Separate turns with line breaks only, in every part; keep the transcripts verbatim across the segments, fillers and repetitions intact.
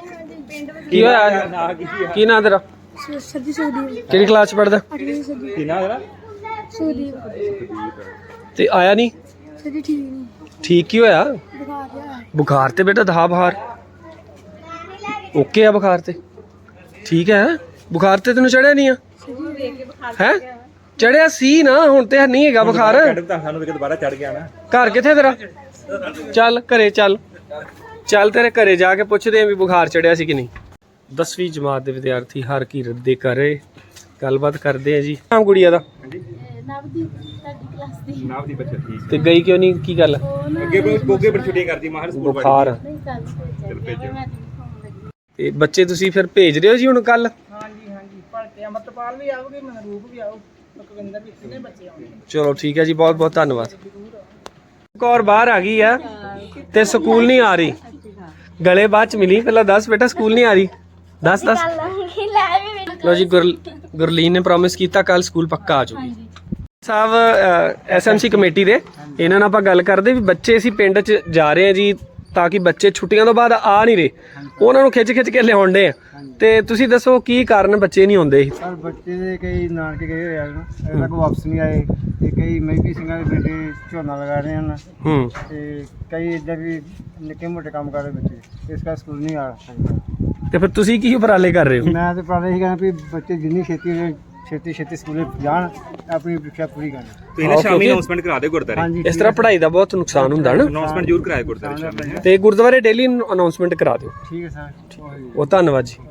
ਕੀ ਹੋਇਆ? ਕੀ ਨਾਂ ਤੇਰਾ?
ਸਰਦੀ ਸੁਖਦੀਪ।
ਕਿਹੜੀ ਕਲਾਸ ਚ ਪੜਦਾ?
ਅੱਠਵੀਂ ਸਰਦੀ
ਕੀ ਨਾਂ ਤੇਰਾ?
ਸੁਖਦੀਪ।
ਤੇ ਆਇਆ ਨਹੀਂ?
ਸਰਦੀ ਠੀਕ ਨਹੀਂ,
ਠੀਕ ਕੀ ਹੋਇਆ?
ਬੁਖਾਰ ਜਿਹਾ ਹੈ।
ਬੁਖਾਰ ਤੇ ਬੇਟਾ ਦਹਾ ਬੁਖਾਰ ਓਕੇ ਆ? ਬੁਖਾਰ ਤੇ ਠੀਕ ਹੈ? ਬੁਖਾਰ ਤੇ ਤੈਨੂੰ ਚੜਿਆ ਨਹੀਂ ਆ? ਹੈ ਚੜਿਆ ਸੀ ਨਾ, ਹੁਣ ਤੇ ਨਹੀਂ ਹੈਗਾ ਬੁਖਾਰ।
ਸਾਨੂੰ ਵੀ ਦੁਬਾਰਾ ਚੜ ਗਿਆ ਨਾ।
ਘਰ ਕਿੱਥੇ ਤੇਰਾ? ਚੱਲ ਘਰੇ ਚੱਲ, ਚੱਲ ਤੇਰੇ ਘਰੇ ਜਾ ਕੇ ਪੁੱਛਦੇ ਆਂ ਵੀ ਬੁਖਾਰ ਚੜਿਆ ਸੀ ਕਿ ਨਹੀਂ। ਦਸਵੀਂ ਜਮਾਤ ਦੇ ਵਿਦਿਆਰਥੀ ਹਰਕੀਰਤ ਦੇ ਘਰੇ ਗੱਲਬਾਤ ਕਰਦੇ ਆ ਜੀ। ਨਾਮ ਗੁੜੀਆ ਦਾ?
ਨਵਦੀਪ ਸਾਡੀ ਕਲਾਸ ਦੀ।
ਨਾਮ ਦੀ ਬੱਚਾ ਠੀਕ
ਤੇ ਗਈ ਕਿਉਂ ਨਹੀਂ? ਕੀ ਗੱਲ?
ਅੱਗੇ ਗੋਗੇ ਪਰ ਛੁੱਟੀ ਕਰਦੀ ਮਾਹਰ ਸਕੂਲ
ਬੁਖਾਰ।
ਨਹੀਂ ਕੱਲ ਭੇਜਿਆ
ਤੇ ਬੱਚੇ ਤੁਸੀਂ ਫਿਰ ਭੇਜ ਰਹੇ ਹੋ ਜੀ ਹੁਣ ਕੱਲ?
ਹਾਂਜੀ ਹਾਂਜੀ ਭਲਕੇ ਅਮਰਤਪਾਲ ਵੀ ਆਉਗੇ, ਮਨਰੂਪ ਵੀ ਆਉ, ਲਖਵਿੰਦਰ ਵੀ, ਕਿੰਨੇ ਬੱਚੇ ਆਉਣਗੇ।
ਚਲੋ ਠੀਕ ਹੈ ਜੀ, ਬਹੁਤ ਬਹੁਤ ਧੰਨਵਾਦ। ਕੌਰ ਬਾਹਰ ਆ ਗਈ ਆ ਤੇ ਸਕੂਲ ਨਹੀਂ ਆ ਰਹੀ। ਗਲੇ ਬਾਅਦ ਚ ਮਿਲੀ, ਪਹਿਲਾਂ ਦੱਸ ਬੇਟਾ ਸਕੂਲ ਨਹੀਂ ਆ ਰਹੀ। ਦੱਸ ਦੱਸ। ਲੋ ਜੀ, ਗੁਰ ਗੁਰਲੀਨ ਨੇ ਪ੍ਰੋਮਿਸ ਕੀਤਾ ਕੱਲ ਸਕੂਲ ਪੱਕਾ ਆ ਜਾਊਗੀ। ਸਾਹਿਬ ਐਸਐਮਸੀ ਕਮੇਟੀ ਦੇ, ਇਹਨਾਂ ਨਾਲ ਆਪਾਂ ਗੱਲ ਕਰਦੇ ਵੀ ਬੱਚੇ ਅਸੀਂ ਪਿੰਡ 'ਚ ਜਾ ਰਹੇ ਆ ਜੀ, ਤਾਂ ਕਿ ਬੱਚੇ ਛੁੱਟੀਆਂ ਤੋਂ ਬਾਅਦ ਆ ਨਹੀਂ ਰਹੇ, ਉਹਨਾਂ ਨੂੰ ਖਿੱਚ ਖਿੱਚ ਕੇ ਲਿਆਉਂਦੇ ਆ। ਤੇ ਤੁਸੀਂ ਦੱਸੋ ਕੀ ਕਾਰਨ ਬੱਚੇ ਨਹੀਂ ਆਉਂਦੇ?
ਸਰ ਬੱਚੇ ਦੇ ਕਈ ਨਾਨਕੇ ਗਏ ਹੋਏ ਆ ਨਾ, ਅਜੇ ਤੱਕ ਵਾਪਸ ਨਹੀਂ ਆਏ, ਤੇ ਕਈ ਮਹਿਬੀ ਸਿੰਘਾਂ ਦੇ ਬੇਟੇ ਝੋਨਾ ਲਗਾ ਰਹੇ ਹਨ,
ਹੂੰ
ਤੇ ਕਈ ਇੱਦਾਂ ਵੀ ਨਿੱਕੇ ਮੋਟੇ ਕੰਮ ਕਰਦੇ ਬੱਚੇ, ਇਸ ਕਰਕੇ ਸਕੂਲ ਨਹੀਂ ਆ ਸਕਦਾ।
ਤੇ ਫਿਰ ਤੁਸੀਂ ਕੀ ਉਪਰਾਲੇ ਕਰ ਰਹੇ ਹੋ?
ਮੈਂ ਤਾਂ ਪ੍ਰਾਲੇ ਹੀ ਕਹਿੰਦਾ ਵੀ ਬੱਚੇ ਜਿੰਨੀ ਛੇਤੀ ਹੋ ਜਾਏ, ਛੇਤੀ ਛੇਤੀ ਸਕੂਲੇ ਜਾਣ, ਆਪਣੀ ਪ੍ਰੀਖਿਆ ਪੂਰੀ ਕਰਨ।
ਤੁਸੀਂ ਨਾ ਸ਼ਾਮੀ ਅਨਾਉਂਸਮੈਂਟ ਕਰਾ ਦਿਓ ਗੁਰਦਾਰੇ।
ਹਾਂਜੀ,
ਇਸ ਤਰ੍ਹਾਂ ਪੜ੍ਹਾਈ ਦਾ ਬਹੁਤ ਨੁਕਸਾਨ ਹੁੰਦਾ ਨਾ,
ਅਨਾਉਂਸਮੈਂਟ ਜ਼ਰੂਰ ਕਰਾਇਆ ਗੁਰਦਾਰੇ ਸ਼ਾਮੀ।
ਤੇ ਗੁਰਦੁਆਰੇ ਡੇਲੀ ਅਨਾਉਂਸਮੈਂਟ ਕਰਾ ਦਿਓ।
ਠੀਕ ਹੈ ਸਰ।
ਉਹ ਧੰਨਵਾਦ ਜੀ।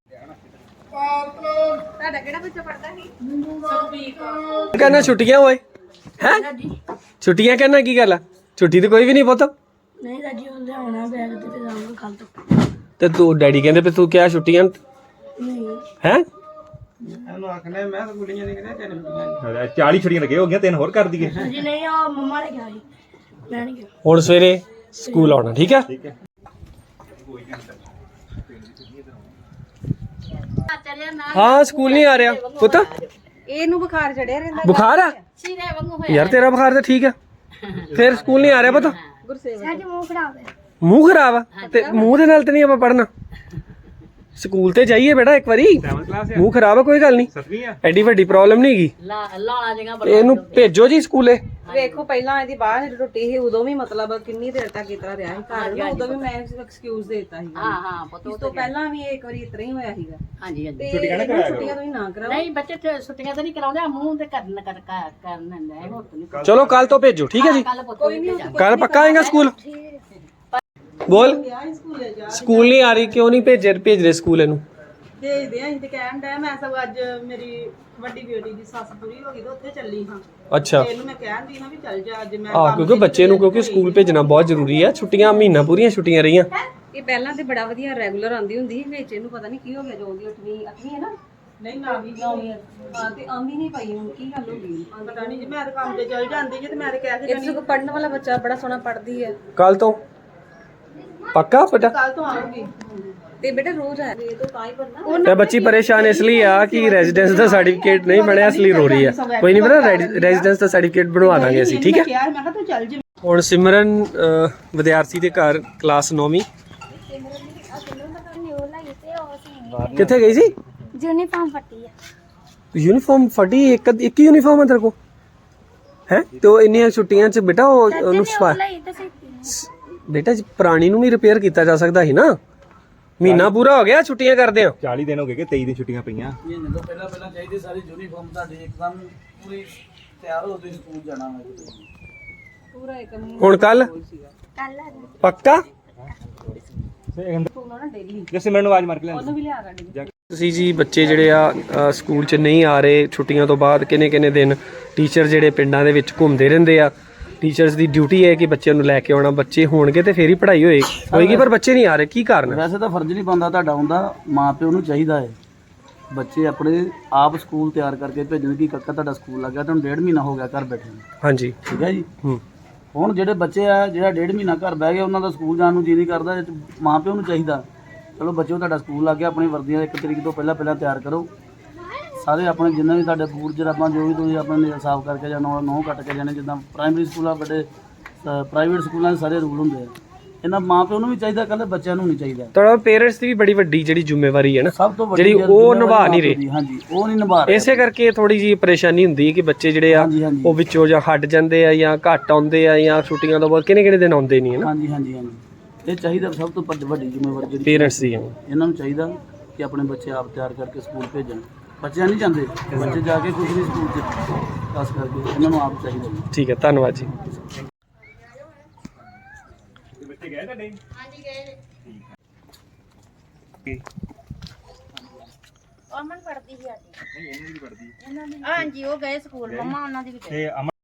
ਤੁਹਾਡਾ ਕਿਹੜਾ ਬੱਚਾ ਪੜਦਾ ਸੀ? ਸੁਖਦੀਪ।
ਕਹਿੰਦਾ ਛੁੱਟੀਆਂ ਹੋਏ ਹੈ? ਛੁੱਟੀਆਂ ਕਹਿੰਦਾ ਕੀ ਗੱਲ ਆ? ਛੁੱਟੀ ਤੇ ਕੋਈ ਵੀ ਨਹੀਂ ਪੁੱਤ।
ਨਹੀਂ ਰਾਜੀ ਹੁੰਦੇ ਆਉਣਾ ਬੈਗ ਤੇ ਤੇ ਜਾਊਂਗਾ ਕੱਲ ਤੋਂ।
ਤੇ ਤੂੰ ਡੈਡੀ ਕਹਿੰਦੇ ਵੀ ਤੂੰ ਕਿਹਾ ਛੁੱਟੀਆਂ
ਨਹੀਂ
ਹੈ?
ਇਹਨੂੰ ਆਖਣਾ ਮੈਂ ਤਾਂ ਗੁੱਲੀਆਂ ਨਹੀਂ ਕਹਿੰਦਾ ਤਿੰਨ ਛੁੱਟੀਆਂ।
ਚਾਲੀ ਛੁੱਟੀਆਂ ਲੱਗੇ ਹੋ ਗਈਆਂ, ਤਿੰਨ ਹੋਰ ਕਰ ਦਈਏ।
ਜੀ ਨਹੀਂ, ਉਹ ਮੰਮਾ ਨੇ ਕਿਹਾ ਸੀ, ਮੈਂ ਨਹੀਂ ਕਿਹਾ।
ਹੁਣ ਸਵੇਰੇ ਸਕੂਲ ਆਉਣਾ, ਠੀਕ ਹੈ?
ਠੀਕ ਹੈ।
ਹਾਂ ਸਕੂਲ ਨਹੀਂ ਆ ਰਿਹਾ ਪੁੱਤ।
ਇਹਨੂੰ ਬੁਖਾਰ ਚੜਿਆ ਰਹਿੰਦਾ।
ਬੁਖਾਰ ਆ ਯਾਰ? ਤੇਰਾ ਬੁਖਾਰ ਤਾਂ ਠੀਕ ਆ, ਫਿਰ ਸਕੂਲ ਨਹੀਂ ਆ ਰਿਹਾ ਪੁੱਤ?
ਸਾਡੇ ਮੂੰਹ ਖਰਾਬ ਹੈ।
ਮੂੰਹ ਖਰਾਬ ਆ ਤੇ ਮੂੰਹ ਦੇ ਨਾਲ ਤੇ ਨਹੀਂ ਆਪਾਂ ਪੜਨਾ। ਸਕੂਲ ਤੇ ਜਾਈਏ ਬੇਟਾ ਇੱਕ ਵਾਰੀ।
ਸੈਵਨਥ ਕਲਾਸ
ਮੂੰਹ ਖਰਾਬ ਆ ਕੋਈ ਗੱਲ ਨਹੀਂ,
ਸੱਤਵੀਂ ਆ।
ਐਡੀ ਵੱਡੀ ਪ੍ਰੋਬਲਮ ਨਹੀਂ ਹੈਗੀ। ਇਹਨੂੰ ਭੇਜੋ ਜੀ ਸਕੂਲੇ।
ਵੇਖੋ ਪਹਿਲਾਂ ਇਹਦੀ ਬਾਹਰ ਰੋਟੀ ਸੀ, ਉਦੋਂ ਵੀ ਮਤਲਬ ਕਿੰਨੀ ਦੇਰ ਤੱਕ ਇਤਰਾ ਰਿਹਾ ਸੀ ਘਰ ਨੂੰ, ਉਦੋਂ ਵੀ ਮੈਂ ਐਕਸਕਿਊਜ਼ ਦੇਤਾ ਸੀ। ਹਾਂ ਹਾਂ ਪਤਾ, ਉਸ ਤੋਂ ਪਹਿਲਾਂ ਵੀ ਇੱਕ ਵਾਰੀ ਇਤਰਾ ਹੀ ਹੋਇਆ ਸੀਗਾ।
ਹਾਂਜੀ ਹਾਂਜੀ।
ਛੁੱਟੀਆਂ ਨਾ ਕਰਾਇਆ ਛੁੱਟੀਆਂ ਤੁਸੀਂ ਨਾ ਕਰਾਓ।
ਨਹੀਂ ਬੱਚੇ ਤੇ ਛੁੱਟੀਆਂ ਤਾਂ ਨਹੀਂ ਕਰਾਉਂਦੇ, ਮੂੰਹ ਤੇ ਕਰਨ ਕਰ ਕਰਨ ਲੈ ਹੋਰ ਤਾਂ ਨਹੀਂ।
ਚਲੋ ਕੱਲ ਤੋਂ ਭੇਜੋ, ਠੀਕ ਹੈ ਜੀ?
ਕੱਲ ਕੋਈ ਨਹੀਂ,
ਕੱਲ ਪੱਕਾ ਆਏਗਾ ਸਕੂਲ? ਬੋਲ। ਸਕੂਲ ਨਹੀਂ ਆ ਰਹੀ, ਕਿਉਂ ਨਹੀਂ ਭੇਜ ਭੇਜ ਰਹੇ ਸਕੂਲ ਇਹਨੂੰ?
ਭੇਜਦੇ ਆਂ, ਅਸੀਂ ਤੇ ਕਹਿਣ ਡਿਆ। ਮੈਂ ਸਭ ਅੱਜ ਮੇਰੀ ਵੱਡੀ ਬੇਟੀ ਦੀ ਸੱਸ ਪੂਰੀ ਹੋ ਗਈ ਤੇ ਉੱਥੇ ਚੱਲੀ ਹਾਂ।
ਅੱਛਾ।
ਇਹਨੂੰ ਮੈਂ ਕਹਿੰਦੀ ਹਾਂ ਵੀ ਚੱਲ ਜਾ ਅੱਜ। ਮੈਂ
ਆਹ ਕਿਉਂਕਿ ਬੱਚੇ ਨੂੰ ਕਿਉਂਕਿ ਸਕੂਲ ਭੇਜਣਾ ਬਹੁਤ ਜ਼ਰੂਰੀ ਹੈ। ਛੁੱਟੀਆਂ ਮਹੀਨਾ ਪੂਰੀਆਂ ਛੁੱਟੀਆਂ ਰਹੀਆਂ।
ਇਹ ਪਹਿਲਾਂ ਤੇ ਬੜਾ ਵਧੀਆ ਰੈਗੂਲਰ ਆਉਂਦੀ ਹੁੰਦੀ ਸੀ, ਵਿੱਚ ਇਹਨੂੰ ਪਤਾ ਨਹੀਂ ਕੀ ਹੋ ਗਿਆ, ਜੋ ਦੀ ਅੱਠਵੀਂ ਅੱਠਵੀਂ ਹੈ ਨਾ। ਨਹੀਂ ਨਾ ਵੀ ਨੌਵੀਂ ਹਾਂ, ਤੇ ਆਉਂਦੀ ਨਹੀਂ ਪਈ। ਹੁਣ ਕੀ ਗੱਲ ਹੋ ਗਈ ਪਤਾ ਨਹੀਂ ਜੀ। ਮੈਂ ਤਾਂ ਕੰਮ ਤੇ ਚੱਲ ਜਾਂਦੀ ਜੀ, ਤੇ ਮੈਂ ਤੇ ਕਹਿ ਕੇ ਜਾਨੀ ਪੜਨ ਵਾਲਾ ਬੱਚਾ ਬੜਾ ਸੋਹਣਾ ਪੜਦੀ ਹੈ।
ਕੱਲ ਤੋਂ ਪੱਕਾ ਬੇਟਾ?
ਕੱਲ ਤੋਂ ਆਉਂਗੀ ਤੇ ਬੇਟਾ ਰੋਜ਼ ਆ ਇਹ ਤੋਂ ਤਾਂ ਹੀ ਪੜਨਾ।
ਤੇ ਬੱਚੀ ਪਰੇਸ਼ਾਨ ਇਸ ਲਈ ਆ ਕਿ ਰੈਜ਼ੀਡੈਂਸ ਦਾ ਸਰਟੀਫਿਕੇਟ ਨਹੀਂ ਬਣਿਆ, ਇਸ ਲਈ ਰੋ ਰਹੀ ਆ। ਕੋਈ ਨਹੀਂ ਬੇਟਾ, ਰੈਜ਼ੀਡੈਂਸ ਦਾ ਸਰਟੀਫਿਕੇਟ ਬਣਵਾ ਦਾਂਗੇ ਅਸੀਂ, ਠੀਕ ਹੈ?
ਮੈਂ ਕਿਹਾ ਤੂੰ ਚੱਲ ਜੀ।
ਹੁਣ ਸਿਮਰਨ ਵਿਦਿਆਰਥੀ ਦੇ ਘਰ ਕਲਾਸ ਨੌਵੀਂ। ਕਿੱਥੇ ਗਈ ਸੀ?
ਯੂਨੀਫਾਰਮ ਫੱਟੀ ਆ।
ਯੂਨੀਫਾਰਮ ਫਟੀ? ਇੱਕ ਇੱਕ ਯੂਨੀਫਾਰਮ ਹੈ ਤੇਰੇ ਕੋਲ ਹੈ? ਤੇ ਉਹ ਇੰਨੀਆਂ ਛੁੱਟੀਆਂ 'ਚ ਬੇਟਾ ਉਹ ਉਹਨੂੰ ਸਵਾ ਬੇਟਾ ਪੁਰਾਣੀ ਨੂੰ ਵੀ ਰਿਪੇਅਰ ਕੀਤਾ ਜਾ ਸਕਦਾ ਸੀ ਨਾ। ਮਹੀਨਾ ਪੂਰਾ ਹੋ ਗਿਆ ਛੁੱਟੀਆਂ ਕਰਦੇ ਆ।
ਚਾਲੀ ਦਿਨ ਹੋ ਗਏ ਕਿ ਤੇਈ ਦਿਨ ਛੁੱਟੀਆਂ ਪਈਆਂ।
ਮਹੀਨੇ ਤੋਂ ਪਹਿਲਾਂ ਪਹਿਲਾਂ ਚਾਹੀਦੀ ਸਾਰੀ ਯੂਨੀਫਾਰਮ ਤੁਹਾਡੀ ਇੱਕਦਮ ਪੂਰੀ ਤਿਆਰ ਹੋ ਤੁਸੀਂ ਸਕੂਲ ਜਾਣਾ ਹੈ।
ਪੂਰਾ ਇੱਕ
ਹੁਣ ਕੱਲ
ਕੱਲ ਆ
ਪੱਕਾ?
ਜੈਸੇ ਮੈਨੂੰ ਆਵਾਜ਼ ਮਾਰ ਕੇ ਲੈਣ।
ਉਹਨੂੰ ਵੀ ਲਿਆ ਗੱਡੀ।
ਤੁਸੀਂ ਜੀ ਬੱਚੇ ਜਿਹੜੇ ਆ ਅ, ਸਕੂਲ 'ਚ ਨਹੀਂ ਆ ਰਹੇ ਛੁੱਟੀਆਂ ਤੋਂ ਬਾਅਦ ਕਿੰਨੇ ਕਿੰਨੇ ਦਿਨ। ਟੀਚਰ ਜਿਹੜੇ ਪਿੰਡਾਂ ਦੇ ਵਿੱਚ ਘੁੰਮਦੇ ਰਹਿੰਦੇ ਆ। ਟੀਚਰਸ ਦੀ ਡਿਊਟੀ ਹੈ ਕਿ ਬੱਚਿਆਂ ਨੂੰ ਲੈ ਕੇ ਆਉਣਾ। ਬੱਚੇ ਹੋਣਗੇ ਤੇ ਫੇਰ ਹੀ ਪੜ੍ਹਾਈ ਹੋਏ ਹੋਏਗੀ, ਪਰ ਬੱਚੇ ਨਹੀਂ ਆ ਰਹੇ, ਕੀ ਕਾਰਨ ਹੈ?
ਵੈਸੇ ਤਾਂ ਫਰਜ਼ ਨਹੀਂ ਬਣਦਾ ਤੁਹਾਡਾ, ਹੁੰਦਾ ਮਾਂ ਪਿਓ ਨੂੰ ਚਾਹੀਦਾ ਹੈ ਬੱਚੇ ਆਪਣੇ ਆਪ ਸਕੂਲ ਤਿਆਰ ਕਰਕੇ ਭੇਜਣ। ਕਿ ਕੱਕਾ ਤੁਹਾਡਾ ਸਕੂਲ ਲੱਗ ਗਿਆ, ਤੁਹਾਨੂੰ ਡੇਢ ਮਹੀਨਾ ਹੋ ਗਿਆ ਘਰ ਬੈਠੇ ਨੂੰ,
ਹਾਂਜੀ
ਠੀਕ ਹੈ ਜੀ।
ਹੂੰ।
ਹੁਣ ਜਿਹੜੇ ਬੱਚੇ ਆ ਜਿਹੜਾ ਡੇਢ ਮਹੀਨਾ ਘਰ ਬਹਿ ਗਏ, ਉਹਨਾਂ ਦਾ ਸਕੂਲ ਜਾਣ ਨੂੰ ਜੀ ਨਹੀਂ ਕਰਦਾ। ਇਹ 'ਚ ਮਾਂ ਪਿਓ ਨੂੰ ਚਾਹੀਦਾ ਚਲੋ ਬੱਚਿਓ ਤੁਹਾਡਾ ਸਕੂਲ ਲੱਗ ਗਿਆ, ਆਪਣੀ ਵਰਦੀਆਂ ਇੱਕ ਤਰੀਕ ਤੋਂ ਪਹਿਲਾਂ ਪਹਿਲਾਂ ਤਿਆਰ ਕਰੋ। ਸਾਰੇ ਆਪਣੇ ਜਿੰਨੇ ਵੀ ਤੁਹਾਡੇ ਬੂਟ ਜਰਾਬਾਂ ਜੋ ਵੀ ਤੁਸੀਂ ਆਪਣੇ ਸਾਫ਼ ਕਰਕੇ ਜਾਂ ਨੌ ਨੌ ਕੱਟ ਕੇ ਜਾਣੇ। ਜਿੱਦਾਂ ਪ੍ਰਾਇਮਰੀ ਸਕੂਲਾਂ ਵੱਡੇ ਪ੍ਰਾਈਵੇਟ ਸਕੂਲਾਂ ਦੇ ਸਾਰੇ ਰੂਲ ਹੁੰਦੇ ਆ, ਇਹਨਾਂ ਮਾਂ ਪਿਓ ਨੂੰ ਵੀ ਚਾਹੀਦਾ, ਕੱਲੇ ਬੱਚਿਆਂ ਨੂੰ ਨਹੀਂ ਚਾਹੀਦਾ।
ਤੁਹਾਡਾ ਪੇਰੈਂਟਸ ਦੀ ਵੀ ਬੜੀ ਵੱਡੀ ਜਿਹੜੀ ਜ਼ਿੰਮੇਵਾਰੀ ਹੈ ਨਾ,
ਸਭ ਤੋਂ ਵੱਡੀ
ਜਿਹੜੀ
ਜਿਹੜੀ
ਉਹ
ਜ਼ਿੰਮੇਵਾਰੀ
ਨਿਭਾ ਨਹੀਂ
ਮਾਂ ਪਿਓ
ਰਹੇ।
ਦੀ, ਹਾਂਜੀ ਉਹ ਨਹੀਂ ਨਿਭਾ ਰਹੇ।
ਇਸੇ ਕਰਕੇ ਥੋੜੀ ਜੀ ਪਰੇਸ਼ਾਨੀ ਹੁੰਦੀ ਹੈ ਕਿ ਬੱਚੇ ਜਿਹੜੇ ਆ
ਹਾਂਜੀ ਹਾਂਜੀ
ਉਹ ਵਿੱਚੋਂ ਜਾਂ ਹਟ ਜਾਂਦੇ ਆ ਜਾਂ ਘੱਟ ਆਉਂਦੇ ਆ ਜਾਂ ਛੁੱਟੀਆਂ ਤੋਂ ਬਾਅਦ ਕਿਹਨੇ ਕਿਹਨੇ ਦਿਨ ਆਉਂਦੇ ਨਹੀਂ ਹੈ ਨਾ,
ਹਾਂਜੀ ਹਾਂਜੀ ਹਾਂਜੀ ਇਹ ਚਾਹੀਦਾ ਸਭ ਤੋਂ ਵੱਡੀ ਵੱਡੀ ਜ਼ਿੰਮੇਵਾਰੀ ਜਿਹੜੀ
ਪੇਰੈਂਟਸ ਦੀ ਆ।
ਇਹਨਾਂ ਨੂੰ ਚਾਹੀਦਾ ਕਿ ਆਪਣੇ ਬੱਚੇ ਆਪ ਤਿਆਰ ਕਰਕੇ ਸਕੂਲ ਭੇਜਣ। ਬੱਚਿਆਂ ਨਹੀਂ ਜਾਂਦੇ, ਬੱਚੇ ਜਾ ਕੇ ਕੁਝ ਨਹੀਂ ਸਕੂਲ 'ਚ, ਖਾਸ ਕਰਕੇ ਇਹਨਾਂ ਨੂੰ ਆਪ ਚਾਹੀਦਾ ਜੀ।
ਠੀਕ ਹੈ, ਧੰਨਵਾਦ ਜੀ।
ਬੱਚੇ ਗਏ ਤੁਹਾਡੇ?
ਅਮਨ ਪੜਦੀ ਸੀ ਸਾਡੀ। ਹਾਂਜੀ ਉਹ ਗਏ ਸਕੂਲ, ਮੰਮਾ ਉਹਨਾਂ ਦੀ ਵੀ ਗਏ।
ਤੇ ਅਮਨ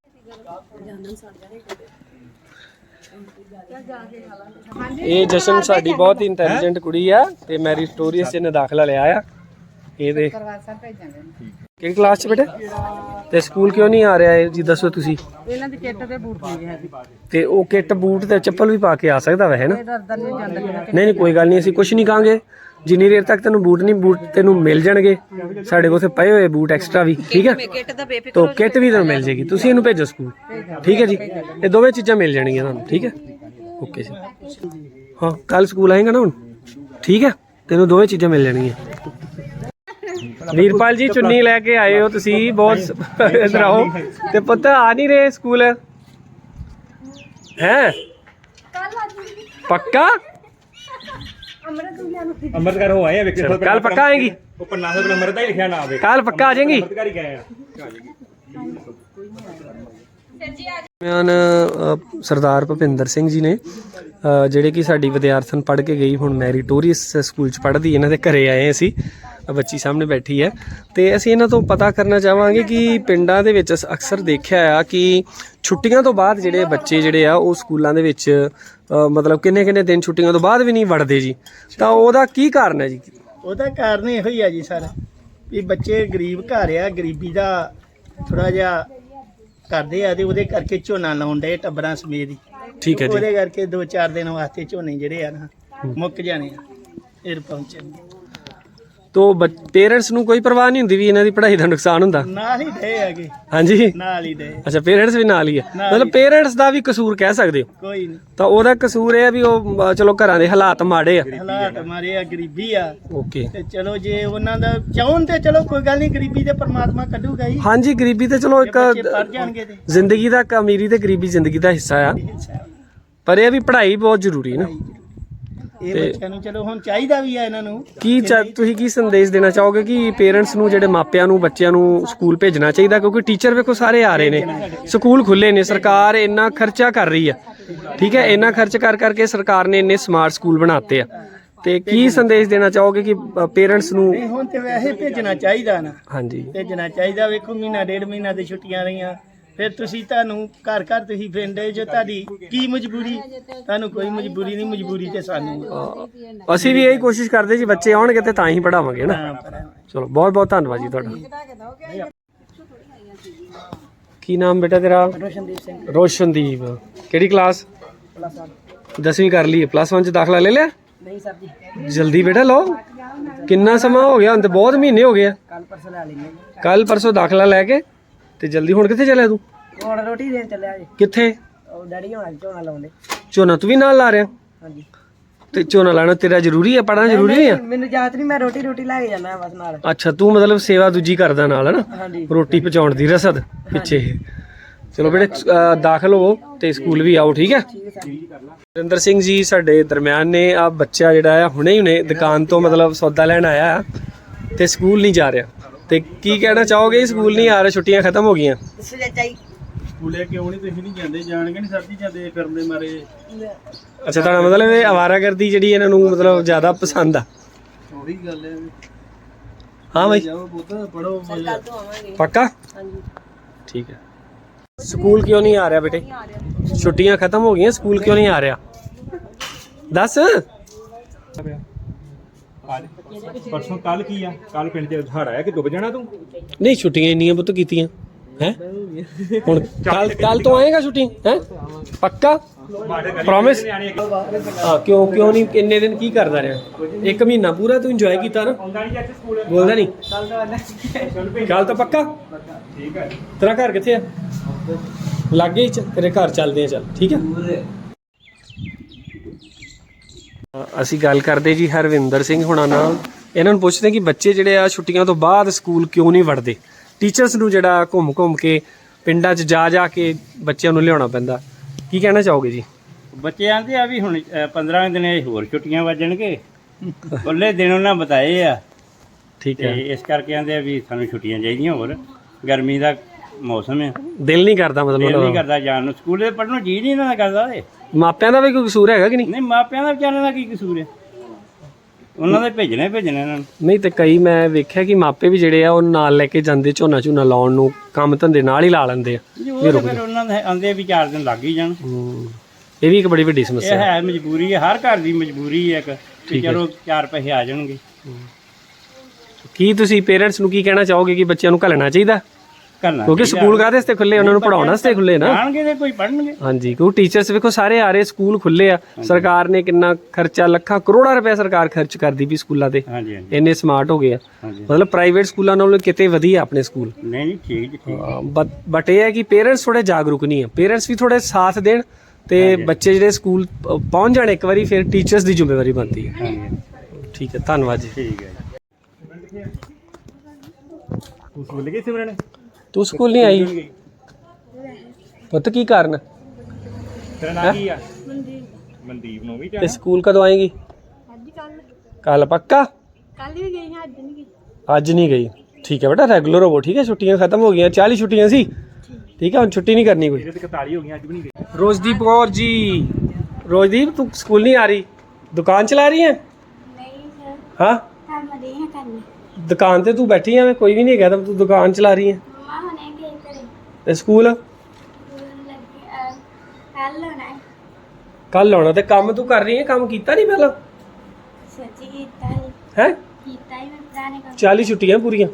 ਇਹ ਜਸ਼ਨ ਸਾਡੀ ਬਹੁਤ ਹੀ ਇੰਟੈਲੀਜੈਂਟ ਕੁੜੀ ਆ ਤੇ ਮੈਰੀਟੋਰੀਅਸ ਚ ਇਹਨੇ ਦਾਖਲਾ ਲਿਆ ਆ। ਇਹਦੇ ਕਿਹੜੀ ਕਲਾਸ ਚ ਬੇਟੇ? ਤੇ ਸਕੂਲ ਕਿਉਂ ਨਹੀਂ ਆ ਰਿਹਾ ਇਹ ਜੀ ਦੱਸੋ ਤੁਸੀਂ?
ਇਹਨਾਂ ਦੀ ਕਿੱਟ ਤੇ ਬੂਟ ਨਹੀਂ ਹੈ ਜੀ,
ਤੇ ਉਹ ਕਿੱਟ ਬੂਟ ਤੇ ਚੱਪਲ ਵੀ ਪਾ ਕੇ ਆ ਸਕਦਾ ਵੈ ਹੈ ਨਾ?
ਡਰਦਾ ਨਹੀਂ ਜਾਂਦਾ।
ਨਹੀਂ ਨਹੀਂ ਕੋਈ ਗੱਲ ਨਹੀਂ, ਅਸੀਂ ਕੁਝ ਨਹੀਂ ਕਹਾਂਗੇ ਜਿੰਨੀ ਦੇਰ ਤੱਕ ਤੈਨੂੰ ਬੂਟ ਨਹੀਂ, ਬੂਟ ਤੈਨੂੰ ਮਿਲ ਜਾਣਗੇ ਸਾਡੇ ਕੋਲ, ਉੱਥੇ ਪਏ ਹੋਏ ਬੂਟ ਐਕਸਟਰਾ ਵੀ, ਠੀਕ ਹੈ?
ਕਿੱਟ ਦਾ ਬੇਫਿਕਰ
ਤੋ ਕਿੱਟ ਵੀ ਤੁਹਾਨੂੰ ਮਿਲ ਜੇਗੀ, ਤੁਸੀਂ ਇਹਨੂੰ ਭੇਜੋ ਸਕੂਲ, ਠੀਕ ਹੈ ਜੀ? ਇਹ ਦੋਵੇਂ ਚੀਜ਼ਾਂ ਮਿਲ ਜਾਣਗੀਆਂ ਤੁਹਾਨੂੰ, ਠੀਕ ਹੈ? ਓਕੇ ਜੀ। ਹਾਂ ਕੱਲ ਸਕੂਲ ਆਏਗਾ ਨਾ ਹੁਣ, ਠੀਕ ਹੈ? ਤੈਨੂੰ ਦੋਵੇਂ ਚੀਜ਼ਾਂ ਮਿਲ ਜਾਣਗੀਆਂ। ਵੀਰਪਾਲ ਜੀ ਚੁੰਨੀ ਲੈ ਕੇ ਆਏ ਹੋ ਤੁਸੀਂ, ਬਹੁਤ ਇਧਰ ਆਓ। ਤੇ ਪੁੱਤ ਆ ਨਹੀਂ ਰਹੇ ਸਕੂਲ ਹੈ? ਪੱਕਾ?
ਅੰਮ੍ਰਿਤਕਾਰ ਹੋ ਆਏ ਆ ਵੇਖੇ।
ਕੱਲ ਪੱਕਾ ਆਏਗੀ?
ਉਹ ਪन्नास ਰੁਪਏ ਅੰਮ੍ਰਿਤ ਦਾ ਹੀ ਲਿਖਿਆ ਨਾਮ ਵੇ।
ਕੱਲ ਪੱਕਾ ਆ ਜਾਏਗੀ?
ਅੰਮ੍ਰਿਤਕਾਰ ਹੀ ਗਏ ਆ।
ਦਰਮਿਆਨ ਅ, ਸਰਦਾਰ ਭੁਪਿੰਦਰ ਸਿੰਘ ਜੀ ਨੇ ਅ, ਜਿਹੜੇ ਕਿ ਸਾਡੀ ਵਿਦਿਆਰਥਣ ਪੜ੍ਹ ਕੇ ਗਈ, ਹੁਣ ਮੈਰੀਟੋਰੀਅਸ ਸਕੂਲ 'ਚ ਪੜ੍ਹਦੀ, ਇਹਨਾਂ ਦੇ ਘਰੇ ਆਏ ਅਸੀਂ। ਬੱਚੀ ਸਾਹਮਣੇ ਬੈਠੀ ਹੈ ਤੇ ਅਸੀਂ ਇਹਨਾਂ ਤੋਂ ਪਤਾ ਕਰਨਾ ਚਾਹਾਂਗੇ ਕਿ ਪਿੰਡਾਂ ਦੇ ਵਿੱਚ ਅਕਸਰ ਦੇਖਿਆ ਆ ਕਿ ਛੁੱਟੀਆਂ ਤੋਂ ਬਾਅਦ ਜਿਹੜੇ ਬੱਚੇ ਜਿਹੜੇ ਆ ਉਹ ਸਕੂਲਾਂ ਦੇ ਵਿੱਚ ਅ, ਮਤਲਬ ਕਿੰਨੇ ਕਿੰਨੇ ਦਿਨ ਛੁੱਟੀਆਂ ਤੋਂ ਬਾਅਦ ਵੀ ਨਹੀਂ ਵੜਦੇ ਜੀ, ਤਾਂ ਉਹਦਾ ਕੀ ਕਾਰਨ ਹੈ ਜੀ?
ਉਹਦਾ ਕਾਰਨ ਇਹੋ ਹੀ ਆ ਜੀ ਸਰ, ਵੀ ਬੱਚੇ ਗਰੀਬ ਘਰ ਆ, ਗਰੀਬੀ ਦਾ ਥੋੜਾ ਜਿਹਾ ਕਰਦੇ ਆ ਤੇ ਉਹਦੇ ਕਰਕੇ ਝੋਨਾ ਲਾਉਣ ਦੇ ਟੱਬਰਾਂ ਸਮੇਤ ਹੀ।
ਠੀਕ ਹੈ ਜੀ।
ਉਹਦੇ ਕਰਕੇ ਦੋ ਚਾਰ ਦਿਨ ਵਾਸਤੇ ਝੋਨੇ ਜਿਹੜੇ ਆ ਨਾ ਮੁੱਕ ਜਾਣੇ ਆ ਫਿਰ ਪਹੁੰਚਣ।
ਤੋ ਪੇਰੈਂਟਸ ਨੂੰ ਕੋਈ ਪਰਵਾਹ ਨਹੀਂ ਹੁੰਦੀ ਵੀ ਇਹਨਾਂ ਦੀ ਪੜ੍ਹਾਈ ਦਾ ਨੁਕਸਾਨ ਹੁੰਦਾ?
ਨਾਲ ਹੀ ਦੇ ਹੈਗੇ,
ਹਾਂਜੀ
ਨਾਲ ਹੀ ਦੇ।
ਅੱਛਾ ਪੇਰੈਂਟਸ ਵੀ ਨਾਲ ਹੀ ਹੈ, ਮਤਲਬ ਪੇਰੈਂਟਸ ਦਾ ਵੀ ਕਸੂਰ ਕਹਿ ਸਕਦੇ ਹੋ?
ਕੋਈ ਨਹੀਂ,
ਤਾਂ ਉਹਦਾ ਕਸੂਰ ਇਹ ਹੈ ਵੀ ਉਹ ਅ, ਚਲੋ ਘਰਾਂ ਦੇ ਹਾਲਾਤ ਮਾੜੇ ਆ।
ਹਾਲਾਤ ਮਾਰੇ ਆ, ਗਰੀਬੀ ਆ।
ਓਕੇ।
ਤੇ ਚਲੋ ਜੇ ਉਹਨਾਂ ਦਾ ਚਾਹਣ ਤੇ ਚਲੋ ਕੋਈ ਗੱਲ ਨਹੀਂ, ਗਰੀਬੀ ਤੇ ਪਰਮਾਤਮਾ ਕੱਢੂਗਾ ਹੀ।
ਹਾਂਜੀ ਗਰੀਬੀ ਤੇ ਚਲੋ ਇੱਕ
ਬੱਚੇ ਪੜ ਜਾਣਗੇ ਤੇ
ਜ਼ਿੰਦਗੀ ਦਾ, ਅਮੀਰੀ ਤੇ ਗਰੀਬੀ ਜ਼ਿੰਦਗੀ ਦਾ ਹਿੱਸਾ ਆ, ਪਰ ਇਹ ਵੀ ਪੜ੍ਹਾਈ ਬਹੁਤ ਜ਼ਰੂਰੀ ਹੈ ਨਾ।
ਇਹ ਬੱਚਿਆਂ ਨੂੰ ਚਲੋ ਹੁਣ ਚਾਹੀਦਾ ਵੀ ਆ ਇਹਨਾਂ ਨੂੰ।
ਕੀ ਚਾ- ਤੁਸੀਂ ਕੀ ਸੰਦੇਸ਼ ਦੇਣਾ ਚਾਹੋਗੇ ਕਿ ਪੇਰੈਂਟਸ ਨੂੰ, ਜਿਹੜੇ ਮਾਪਿਆਂ ਨੂੰ ਬੱਚਿਆਂ ਨੂੰ ਸਕੂਲ ਭੇਜਣਾ ਚਾਹੀਦਾ? ਕਿਉਂਕਿ ਟੀਚਰ ਵੇਖੋ ਸਾਰੇ ਆ ਰਹੇ ਨੇ, ਸਕੂਲ ਖੁੱਲੇ ਨੇ, ਸਰਕਾਰ ਇੰਨਾ ਖਰਚਾ ਕਰ ਰਹੀ ਆ, ਠੀਕ ਹੈ? ਇੰਨਾ ਖਰਚ ਕਰ ਕਰਕੇ ਸਰਕਾਰ ਨੇ ਇੰਨੇ ਸਮਾਰਟ ਸਕੂਲ ਬਣਾਤੇ ਆ, ਤੇ ਕੀ ਸੰਦੇਸ਼ ਦੇਣਾ ਚਾਹੋਗੇ ਕਿ ਪੇਰੈਂਟਸ ਨੂੰ?
ਨਹੀਂ ਹੁਣ ਤੇ ਵੈਸੇ ਭੇਜਣਾ ਚਾਹੀਦਾ ਨਾ,
ਹਾਂਜੀ
ਭੇਜਣਾ ਚਾਹੀਦਾ। ਵੇਖੋ ਮਹੀਨਾ ਡੇਢ ਮਹੀਨਾ ਦੀ ਛੁੱਟੀਆਂ ਰਹੀਆਂ, ਫਿਰ ਤੁਸੀਂ ਤੁਹਾਨੂੰ ਘਰ ਘਰ ਤੁਸੀਂ ਫਿਰਦੇ ਜੋ, ਤੁਹਾਡੀ ਕੀ ਮਜਬੂਰੀ? ਤੁਹਾਨੂੰ ਕੋਈ ਮਜਬੂਰੀ ਨਹੀਂ, ਮਜਬੂਰੀ ਤੇ ਸਾਨੂੰ ਆ।
ਅਸੀਂ ਵੀ ਇਹੀ ਕੋਸ਼ਿਸ਼ ਕਰਦੇ ਜੀ, ਬੱਚੇ ਆਉਣਗੇ ਤੇ ਤਾਂ ਹੀ ਪੜਾਵਾਂਗੇ ਨਾ।
ਹਾਂ, ਪਰ
ਚਲੋ ਬਹੁਤ ਬਹੁਤ ਧੰਨਵਾਦ ਜੀ ਤੁਹਾਡਾ। ਕੀ ਨਾਮ ਬੇਟਾ ਤੇਰਾ?
ਰੋਸ਼ਨਦੀਪ ਸਿੰਘ।
ਰੋਸ਼ਨਦੀਪ। ਕਿਹੜੀ ਕਲਾਸ? ਦਸਵੀਂ ਕਰ ਲਈ? ਪਲੱਸ ਵਨ ਚ ਦਾਖਲਾ ਲੈ ਲਿਆ?
ਨਹੀਂ ਸਰ ਜੀ,
ਜਲਦੀ ਬੇਟਾ ਲਓ, ਕਿੰਨਾ ਸਮਾਂ ਹੋ ਗਿਆ? ਹੁਣ ਤੇ ਬਹੁਤ ਮਹੀਨੇ ਹੋ ਗਏ ਆ।
ਕੱਲ ਪਰਸੋਂ ਲੈ ਲੈਂਗੇ।
ਕੱਲ ਪਰਸੋਂ ਦਾਖਲਾ ਲੈ ਕੇ ਤੇ ਜਲਦੀ। ਹੁਣ ਕਿੱਥੇ ਚੱਲਿਆ ਤੂੰ?
ਹੁਣ ਰੋਟੀ ਦੇਣ ਚੱਲਿਆ ਜੀ,
ਕਿੱਥੇ?
ਉਹ ਡੈਡੀ ਹੋਣਾ ਝੋਨਾ ਲਾਉਂਦੇ।
ਝੋਨਾ ਤੂੰ ਵੀ ਨਾਲ ਲਾ ਰਿਹਾ?
ਹਾਂਜੀ।
ਤੇ ਝੋਨਾ ਲਾਣਾ ਤੇਰਾ ਜ਼ਰੂਰੀ ਹੈ, ਪੜ੍ਹਨਾ ਜ਼ਰੂਰੀ ਨਹੀਂ ਆ?
ਮੈਨੂੰ ਯਾਦ ਨਹੀਂ, ਮੈਂ ਰੋਟੀ ਰੋਟੀ ਲੈ ਕੇ ਜਾਂਦਾ ਬਸ ਨਾਲ।
ਅੱਛਾ ਤੂੰ ਮਤਲਬ ਸੇਵਾ ਦੂਜੀ ਕਰਦਾ ਨਾਲ, ਹੈ ਨਾ?
ਹਾਂਜੀ।
ਰੋਟੀ ਪਹੁੰਚਾਉਣ ਦੀ ਰਸਦ ਪਿੱਛੇ। ਚਲੋ ਬੇਟੇ ਅ, ਦਾਖਲ ਹੋਵੋ ਤੇ ਸਕੂਲ ਵੀ ਆਓ, ਠੀਕ ਹੈ? ਨਰਿੰਦਰ ਸਿੰਘ ਜੀ ਸਾਡੇ ਦਰਮਿਆਨ ਨੇ। ਆ ਬੱਚਾ ਜਿਹੜਾ ਆ ਹੁਣੇ ਹੀ ਹੁਣੇ ਦੁਕਾਨ ਤੋਂ ਮਤਲਬ ਸੌਦਾ ਲੈਣ ਆਇਆ ਆ ਤੇ ਸਕੂਲ ਨਹੀਂ ਜਾ ਰਿਹਾ, ਤੇ ਕੀ ਕਹਿਣਾ ਚਾਹੋਗੇ? ਸਕੂਲ ਨਹੀਂ ਆ ਰਿਹਾ, ਛੁੱਟੀਆਂ ਖਤਮ ਹੋ ਗਈਆਂ।
ਸਕੂਲੇ ਕਿਉਂ ਨਹੀਂ? ਤੁਸੀਂ ਨਹੀਂ ਜਾਂਦੇ? ਜਾਣਗੇ ਨਹੀਂ ਸਰ ਜੀ, ਜਾਂਦੇ ਫਿਰਦੇ ਮਾਰੇ।
ਅੱਛਾ ਤੁਹਾਡਾ ਮਤਲਬ ਇਹ ਅਵਾਰਾਗਰਦੀ ਜਿਹੜੀ ਇਹਨਾਂ ਨੂੰ ਮਤਲਬ ਜ਼ਿਆਦਾ ਪਸੰਦ ਆ?
ਉਹੀ ਗੱਲ ਹੈ।
ਹਾਂ ਬਾਈ
ਜਾਓ ਪੁੱਤ ਪੜੋ।
ਪੱਕਾ? ਠੀਕ ਹੈ। ਸਕੂਲ ਕਿਉਂ ਨਹੀਂ ਆ ਰਿਹਾ ਬੇਟੇ? ਛੁੱਟੀਆਂ ਖਤਮ ਹੋ ਗਈਆਂ, ਸਕੂਲ ਕਿਉਂ ਨਹੀਂ ਆ ਰਿਹਾ? ਦੱਸ।
ਪਰਸੋਂ ਕੱਲ ਕੀ ਆ? ਕੱਲ ਪਿੰਡ ਚ ਹੜ ਆਇਆ ਕਿ ਡੁੱਬ ਜਾਣਾ ਤੂੰ?
ਨਹੀਂ ਛੁੱਟੀਆਂ ਇੰਨੀਆਂ ਪੁੱਤ ਕੀਤੀਆਂ ਹੈ। ਹੁਣ ਕੱਲ ਕੱਲ ਤੋਂ ਆਏਗਾ ਛੁੱਟੀ ਹੈ? ਪੱਕਾ? ਪ੍ਰੋਮਿਸ? ਹਾਂ ਕਿਉਂ ਕਿਉਂ ਨਹੀਂ? ਇੰਨੇ ਦਿਨ ਕੀ ਕਰਦਾ ਰਿਹਾ? ਇੱਕ ਮਹੀਨਾ ਪੂਰਾ ਤੂੰ ਇੰਜੋਏ ਕੀਤਾ ਨਾ? ਬੋਲਦਾ ਨਹੀਂ? ਕੱਲ ਤਾਂ ਪੱਕਾ?
ਠੀਕ ਹੈ।
ਤੇਰਾ ਘਰ ਕਿੱਥੇ ਆ? ਲਾਗੇ ਹੀ ਚ ਤੇਰੇ ਘਰ ਚੱਲਦੇ ਆ, ਚੱਲ ਠੀਕ ਹੈ। ਅਸੀਂ ਗੱਲ ਕਰਦੇ ਜੀ ਹਰਵਿੰਦਰ ਸਿੰਘ ਹੁਣਾਂ ਨਾਲ। ਇਹਨਾਂ ਨੂੰ ਪੁੱਛਦੇ ਕਿ ਬੱਚੇ ਜਿਹੜੇ ਆ ਛੁੱਟੀਆਂ ਤੋਂ ਬਾਅਦ ਸਕੂਲ ਕਿਉਂ ਨਹੀਂ ਵੜਦੇ। ਟੀਚਰਸ ਨੂੰ ਜਿਹੜਾ ਘੁੰਮ ਘੁੰਮ ਕੇ ਪਿੰਡਾਂ 'ਚ ਜਾ ਜਾ ਕੇ ਬੱਚਿਆਂ ਨੂੰ ਲਿਆਉਣਾ ਪੈਂਦਾ, ਕੀ ਕਹਿਣਾ ਚਾਹੋਗੇ ਜੀ?
ਬੱਚੇ ਆਂਦੇ ਆ ਵੀ ਹੁਣ ਪੰਦਰਾਂ ਦਿਨ ਇਹ ਹੋਰ ਛੁੱਟੀਆਂ ਵੱਜਣਗੇ, ਉਹਲੇ ਦਿਨ ਉਹਨਾਂ ਬਤਾਏ ਆ
ਠੀਕ
ਤੇ
ਹੈ,
ਇਸ ਕਰਕੇ ਆਂਦੇ ਆ ਵੀ ਸਾਨੂੰ ਛੁੱਟੀਆਂ ਚਾਹੀਦੀਆਂ। ਹੋਰ ਗਰਮੀ ਦਾ ਮੌਸਮ ਹੈ,
ਦਿਲ ਨਹੀਂ ਕਰਦਾ
ਦਿਲ ਨਹੀਂ
ਮਤਲਬ
ਕਰਦਾ ਜਾਣ ਨੂੰ, ਸਕੂਲੇ ਪੜ੍ਹਨ ਨੂੰ ਜੀ ਨਹੀਂ ਇਹਨਾਂ ਦਾ ਕਰਦਾ। ਇਹ
ਮਾਪਿਆਂ ਦਾ ਵੀ ਕੋਈ ਕਸੂਰ ਹੈਗਾ ਕਿ ਨਹੀਂ?
ਨਹੀਂ, ਮਾਪਿਆਂ ਦਾ ਵਿਚਾਰਿਆਂ ਦਾ ਕੀ ਕਸੂਰ ਹੈ, ਉਹਨਾਂ ਦੇ ਭੇਜਣਾ ਹੀ ਭੇਜਣਾ ਇਹਨਾਂ ਨੂੰ।
ਨਹੀਂ ਤੇ ਕਈ ਮੈਂ ਵੇਖਿਆ ਕਿ ਮਾਪੇ ਵੀ ਜਿਹੜੇ ਆ ਉਹ ਨਾਲ ਲੈ ਕੇ ਜਾਂਦੇ ਝੋਨਾ ਝੂਨਾ ਲਾਉਣ ਨੂੰ, ਕੰਮ ਧੰਦੇ ਨਾਲ ਹੀ ਲਾ ਲੈਂਦੇ ਆ।
ਜੀ ਉਹ ਤਾਂ ਫਿਰ ਉਹਨਾਂ ਦੇ ਆਂਦੇ ਵੀ ਚਾਰ ਦਿਨ ਲੱਗ ਹੀ ਜਾਣ।
ਹੂੰ, ਇਹ ਵੀ ਇੱਕ ਬੜੀ ਵੱਡੀ
ਇਹ
ਸਮੱਸਿਆ ਹੈ।
ਹੈ ਮਜਬੂਰੀ ਹੈ, ਹਰ ਘਰ ਦੀ ਮਜਬੂਰੀ ਹੈ ਇੱਕ ਕਿ ਚਲੋ ਚਾਰ ਪੈਸੇ ਆ ਜਾਣਗੇ।
ਕੀ ਤੁਸੀਂ ਪੇਰੈਂਟਸ ਨੂੰ ਕੀ ਕਹਿਣਾ ਚਾਹੋਗੇ ਕਿ ਬੱਚਿਆਂ ਨੂੰ ਘੱਲਣਾ ਚਾਹੀਦਾ?
ਕਰਨਾ
ਕਿਉਂਕਿ ਸਕੂਲ ਕਾਹਦੇ ਵਾਸਤੇ ਖੁੱਲੇ, ਉਹਨਾਂ ਨੂੰ ਪੜਾਉਣ ਵਾਸਤੇ ਖੁੱਲੇ ਨਾ।
ਆਣਗੇ ਤੇ ਕੋਈ ਪੜਨਗੇ।
ਹਾਂਜੀ, ਕਿਉਂਕਿ ਟੀਚਰਸ ਵੇਖੋ ਸਾਰੇ ਆ ਰਹੇ, ਸਕੂਲ ਖੁੱਲੇ ਆ। ਸਰਕਾਰ ਨੇ ਕਿੰਨਾ ਖਰਚਾ, ਲੱਖਾਂ ਕਰੋੜਾਂ ਰੁਪਏ ਸਰਕਾਰ ਖਰਚ ਕਰਦੀ ਵੀ ਸਕੂਲਾਂ ਤੇ।
ਹਾਂਜੀ ਹਾਂਜੀ
ਇੰਨੇ ਸਮਾਰਟ ਹੋ ਗਏ ਆ,
ਹਾਂਜੀ।
ਮਤਲਬ ਪ੍ਰਾਈਵੇਟ ਸਕੂਲਾਂ ਨਾਲੋਂ ਕਿਤੇ ਵਧੀਆ ਆਪਣੇ ਸਕੂਲ।
ਨਹੀਂ ਨਹੀਂ ਠੀਕ ਜੀ ਠੀਕ।
ਬਟ ਇਹ ਹੈ ਕਿ ਪੇਰੈਂਟਸ ਥੋੜੇ ਜਾਗਰੂਕ ਨਹੀਂ ਆ। ਪੇਰੈਂਟਸ ਵੀ ਥੋੜੇ ਸਾਥ ਦੇਣ ਤੇ ਬੱਚੇ ਜਿਹੜੇ ਸਕੂਲ ਪ- ਪਹੁੰਚ ਜਾਣ ਇੱਕ ਵਾਰੀ, ਫਿਰ ਟੀਚਰਸ ਦੀ ਜ਼ਿੰਮੇਵਾਰੀ ਬਣਦੀ ਹੈ।
ਹਾਂਜੀ
ਠੀਕ ਹੈ, ਧੰਨਵਾਦ ਜੀ।
ਠੀਕ ਹੈ ਜੀ। ਤੂੰ ਸਕੂਲ ਗਈ ਸਿਮਰਨ?
ਤੂੰ ਸਕੂਲ ਨਹੀਂ ਆਈ ਪੁੱਤ, ਕੀ ਕਾਰਨ?
ਤੇਰਾ ਨਾਮ ਕੀ ਆ? ਮਨਦੀਪ। ਮਨਦੀਪ ਨੂੰ ਵੀ
ਤੇ ਸਕੂਲ ਕਦੋਂ ਆਏਗੀ?
ਅੱਜ ਕੱਲ
ਕੱਲ ਪੱਕਾ?
ਕੱਲ ਵੀ ਗਈ ਹਾਂ, ਅੱਜ ਨਹੀਂ ਗਈ।
ਅੱਜ ਨਹੀਂ ਗਈ, ਠੀਕ ਹੈ ਬੇਟਾ, ਰੈਗੂਲਰ ਹੋਵੋ। ਠੀਕ ਹੈ, ਛੁੱਟੀਆਂ ਖਤਮ ਹੋ ਗਈਆਂ, ਚਾਲੀ ਛੁੱਟੀਆਂ ਸੀ। ਠੀਕ ਹੈ, ਹੁਣ ਛੁੱਟੀ ਨਹੀਂ ਕਰਨੀ ਕੋਈ।
ਇਹਦੇ ਤੇ ਇਕਤਾਲੀ ਹੋ ਗਈਆਂ, ਅੱਜ ਵੀ ਨਹੀਂ ਗਈ।
ਰੋਜ਼ਦੀਪ ਕੌਰ ਜੀ, ਰੋਜ਼ਦੀਪ ਤੂੰ ਸਕੂਲ ਨਹੀਂ ਆ ਰਹੀ, ਦੁਕਾਨ ਚਲਾ ਰਹੀ ਹੈ?
ਨਹੀਂ ਸਰ,
ਹਾਂ,
ਕੰਮ ਦੇ ਹਾਂ ਕਰਨੀ।
ਦੁਕਾਨ ਤੇ ਤੂੰ ਬੈਠੀ ਆ, ਮੈਂ ਕੋਈ ਵੀ ਨਹੀਂ ਹੈਗਾ, ਤਾਂ ਤੂੰ ਦੁਕਾਨ ਚਲਾ ਰਹੀ ਹੈ।
ਮਮਾ ਹੁਣੇ ਗਏ ਘਰੇ,
ਤੇ ਸਕੂਲ
ਲੱਗੇ ਕੱਲ ਹੋਣਾ ਹੈ।
ਕੱਲ ਆਉਣਾ। ਤੇ ਕੰਮ ਤੂੰ ਕਰ ਰਹੀ ਹੈ, ਕੰਮ ਕੀਤਾ ਨਹੀਂ ਪਹਿਲਾਂ?
ਸੱਚੀ ਕੀਤਾ ਹੀ
ਹੈ
ਕੀਤਾ ਹੀ ਮੈਂ ਪੁਰਾਣੇ ਕੰਮ।
ਚਾਲੀ ਛੁੱਟੀਆਂ ਪੂਰੀਆਂ।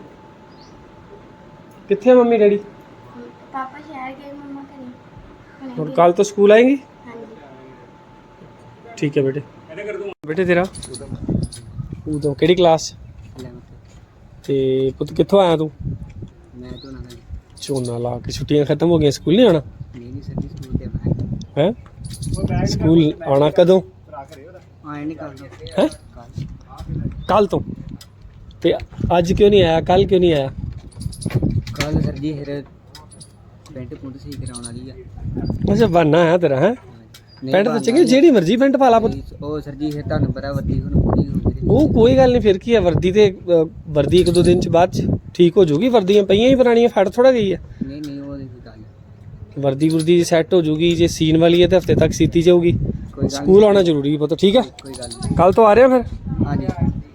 ਕਿੱਥੇ ਆ ਮੰਮੀ ਡੈਡੀ?
ਪਾਪਾ ਸ਼ਹਿਰ ਗਏ, ਮਮਾ ਘਰੇ।
ਹੁਣ ਕੱਲ ਤੋਂ ਸਕੂਲ ਆਏਗੀ?
ਹਾਂਜੀ।
ਠੀਕ ਹੈ ਬੇਟੇ। ਬੇਟੇ ਤੇਰਾ ਉਦੋਂ ਕਿਹੜੀ ਕਲਾਸ? ਤੇ ਪੁੱਤ ਕਿੱਥੋਂ ਆਇਆ ਤੂੰ?
ਮੈਂ ਤੋਂ ਨਾ
ਝੋਨਾ ਲਾ ਕੇ ਛੁੱਟੀਆਂ ਖਤਮ ਹੋ ਗਈਆਂ, ਸਕੂਲ ਨਹੀਂ ਆਉਣਾ?
ਨਹੀਂ ਨਹੀਂ ਸਰ ਸਕੂਲ ਤੇ ਆਉਣਾ
ਹੈ ਸਕੂਲ ਆਉਣਾ ਕਦੋਂ?
ਆਏ ਨਹੀਂ ਕਰਦਾ
ਹੈ ਕੱਲ ਤੋਂ। ਤੇ ਅੱਜ ਕਿਉਂ ਨਹੀਂ ਆਇਆ, ਕੱਲ ਕਿਉਂ ਨਹੀਂ ਆਇਆ?
ਕੱਲ ਸਰ ਜੀ ਫਿਰ ਪੈਂਟ ਪੁੰਟ ਸਹੀ ਕਰਾਉਣ ਵਾਲੀ ਆ।
ਅੱਛਾ, ਬਹਾਨਾ ਹੈ ਤੇਰਾ। ਹੈ ਪੈਂਟ ਤਾਂ ਚੰਗੀ, ਜਿਹੜੀ ਮਰਜ਼ੀ ਪੈਂਟ ਪਾ ਲਾ ਪੁੱਤ।
ਉਹ ਸਰ ਜੀ ਫਿਰ ਤੁਹਾਨੂੰ ਪਤਾ ਵਰਦੀ ਹੁਣ ਪੂਰੀ ਹੋ ਗਈ।
ਉਹ ਕੋਈ ਗੱਲ ਨਹੀਂ, ਫਿਰ ਕੀ ਹੈ, ਵਰਦੀ ਤੇ ਅ, ਵਰਦੀ ਇੱਕ ਦੋ ਦਿਨ ਚ ਬਾਅਦ ਚ ਠੀਕ ਹੋ ਜਾਊਗੀ। ਵਰਦੀਆਂ ਪਈਆਂ ਹੀ ਪੁਰਾਣੀਆਂ, ਫੜ ਥੋੜਾ ਗਈ ਹੈ।
ਨਹੀਂ ਨਹੀਂ ਉਹ ਨਹੀਂ ਗੱਲ।
ਵਰਦੀ ਵਰਦੀ ਸੈੱਟ ਹੋ ਜਾਊਗੀ, ਜੇ ਸੀਨ ਵਾਲੀ ਹੈ ਤੇ ਹਫਤੇ ਤੱਕ ਸੀਤੀ ਜਾਊਗੀ।
ਕੋਈ ਗੱਲ
ਸਕੂਲ ਆਉਣਾ ਜ਼ਰੂਰੀ ਹੈ ਪੁੱਤ, ਠੀਕ ਹੈ?
ਕੋਈ ਗੱਲ ਨਹੀਂ।
ਕੱਲ ਤੋਂ ਆ ਰਹੇ ਹੋ ਫਿਰ?
ਹਾਂਜੀ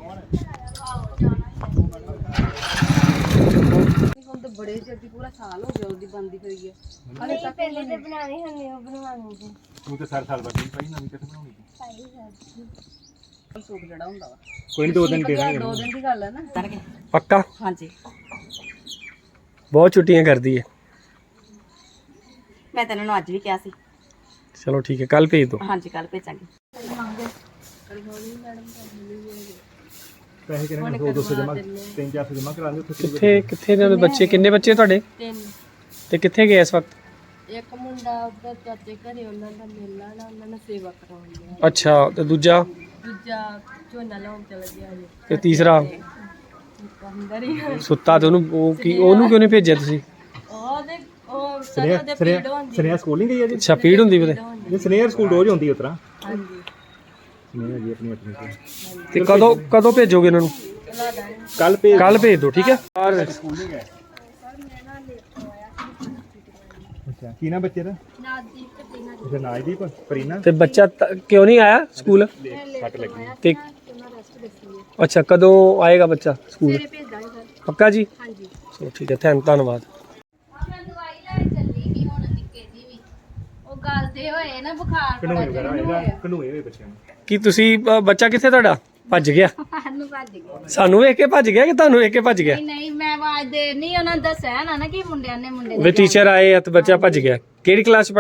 ਹੁਣ ਤਾਂ ਬੜੇ ਜਲਦੀ ਪੂਰਾ ਸਾਲ ਹੋ ਗਿਆ ਉਹਦੀ ਬੰਦੀ ਹੋਈ ਹੈ।
ਹਲੇ ਤੱਕ ਪਹਿਲੇ ਤੇ ਬਣਾਉਣੀ ਹੁੰਦੀ, ਉਹ ਬਣਵਾਉਣੀ ਸੀ।
ਤੂੰ ਤੇ ਸਾਰ ਸਾਲ ਬਾਅਦ ਪਈ ਨਵੀਂ ਕਿੱਥੇ ਬਣਾਉਣੀ?
ਸਾਡੀ ਸਰ
ਸੂਟ ਜਿਹੜਾ ਹੁੰਦਾ ਵਾ
ਕੋਈ ਨਹੀਂ, ਦੋ ਦਿਨ ਦੇ ਦਾਂਗੇ।
ਦੋ ਦਿਨ ਦੀ ਗੱਲ ਹੈ ਨਾ।
ਪੱਕਾ?
ਹਾਂਜੀ,
ਬਹੁਤ ਛੁੱਟੀਆਂ ਕਰਦੀ ਹੈ।
ਮੈਂ ਤੈਨੂੰ ਅੱਜ ਵੀ ਕਿਹਾ ਸੀ।
ਚਲੋ ਠੀਕ ਹੈ, ਕੱਲ ਭੇਜ ਦੋ।
ਹਾਂਜੀ, ਕੱਲ ਭੇਜਾਂਗੇ।
ਪੈਸੇ ਕਿੰਨੇ ਦੋ ਦੋ ਸੌ ਜਮਾ, ਤਿੰਨ ਚਾਰ ਸੌ ਜਮਾ ਕਰਾ ਦਿਓ।
ਕਿੱਥੇ ਕਿੱਥੇ ਨੇ ਬੱਚੇ? ਕਿੰਨੇ ਬੱਚੇ ਤੁਹਾਡੇ?
ਤਿੰਨ।
ਤੇ ਕਿੱਥੇ ਗਏ ਇਸ ਵਕਤ?
ਇੱਕ ਮੁੰਡਾ ਉੱਧਰ ਚਾਚੇ ਘਰੇ, ਉਹਨਾਂ ਦਾ ਮੇਲਾ ਨਾ, ਉਹਨਾਂ ਨੇ ਸੇਵਾ ਕਰਾਉਣੀ ਹੈ।
ਅੱਛਾ, ਤੇ ਦੂਜਾ?
ਦੂਜਾ ਝੋਨਾ ਲਾਉਣ ਚਲਾ ਗਿਆ ਜੀ,
ਤੇ ਤੀਸਰਾ
ਅੰਦਰ ਹੀ।
ਸੁੱਤਾ? ਤੇ ਉਹਨੂੰ ਉਹ ਕੀ, ਉਹਨੂੰ ਕਿਉਂ ਨਹੀਂ ਭੇਜਿਆ ਤੁਸੀਂ?
ਉਹਦੇ ਉਹ ਸਾਰੇ ਦੇ ਪੀੜ ਹੁੰਦੀ।
ਸਨੇਹਾ ਸਕੂਲ ਨਹੀਂ ਗਈ ਅਜੇ?
ਅੱਛਾ, ਪੀੜ ਹੁੰਦੀ ਉਹਦੇ?
ਇਹ ਸਨੇਹਾ ਸਕੂਲ ਰੋਜ਼ ਹੁੰਦੀ ਉਤਰਾ।
ਹਾਂਜੀ,
ਸਨੇਹਾ ਜੀ ਆਪਣੀ ਆਪਣੀ ਤੇ
ਤੇ ਕਦੋਂ ਕਦੋਂ ਭੇਜੋਗੇ ਇਹਨਾਂ ਨੂੰ?
ਕੱਲ ਭੇਜ।
ਕੱਲ ਭੇਜ ਦਿਓ, ਠੀਕ ਹੈ? ਔਰ
ਅੱਛਾ, ਕੀ ਨਾ ਬੱਚੇ ਦਾ?
ਨਾਦੀ ਤੇ ਪੀਣਾ
ਅੱਛਾ, ਨਾਜਦੀਪ ਪਰੀਨਾ।
ਤੇ ਬੱਚਾ ਤ- ਕਿਉਂ ਨਹੀਂ ਆਇਆ ਸਕੂਲ?
ਸੱਟ ਲੱਗੀ।
ਤੇ
ਉਹਨਾਂ ਰੈਸਟ ਦੱਸੀ ਹੈ।
ਅੱਛਾ, ਕਦੋਂ ਆਏਗਾ ਬੱਚਾ ਸਕੂਲ?
ਸਵੇਰੇ ਭੇਜ ਦਾਂਗੇ ਸਰ।
ਪੱਕਾ ਜੀ?
ਹਾਂਜੀ।
ਚਲੋ ਠੀਕ ਹੈ, ਥੈਂਕ ਧੰਨਵਾਦ।
ਮੈਂ ਦਵਾਈ ਲੈਣ ਚੱਲੀ ਗਈ ਹੁਣ ਨਿੱਕੇ ਦੀ ਵੀ। ਉਹ ਗੱਲ ਤੇ ਹੋਏ ਨਾ ਬੁਖਾਰ
ਕਨੂਏ ਵਗੈਰਾ ਇਹਦਾ ਕਨੂਏ ਹੋਏ ਬੱਚਿਆਂ ਨੂੰ।
ਕੀ ਤੁਸੀਂ ਅ, ਬੱਚਾ ਕਿੱਥੇ ਤੁਹਾਡਾ? ਭੱਜ ਗਿਆ?
ਸਾਨੂੰ ਭੱਜ ਗਏ।
ਸਾਨੂੰ ਵੇਖ ਕੇ ਭੱਜ ਗਿਆ ਕਿ ਤੁਹਾਨੂੰ ਵੇਖ ਕੇ ਭੱਜ ਗਿਆ?
ਨਹੀਂ ਨਹੀਂ, ਮੈਂ ਆਵਾਜ਼ ਦੇ ਨਹੀਂ, ਉਹਨਾਂ ਨੇ ਦੱਸਿਆ ਨਾ ਨਾ ਕਿ ਮੁੰਡਿਆਂ ਨੇ ਮੁੰਡੇ
ਵੀ ਟੀਚਰ ਆਏ ਆ ਤੇ ਬੱਚਾ ਭੱਜ ਗਿਆ। ਕਿਹੜੀ ਕਲਾਸ ਚ ਪੜਦਾ?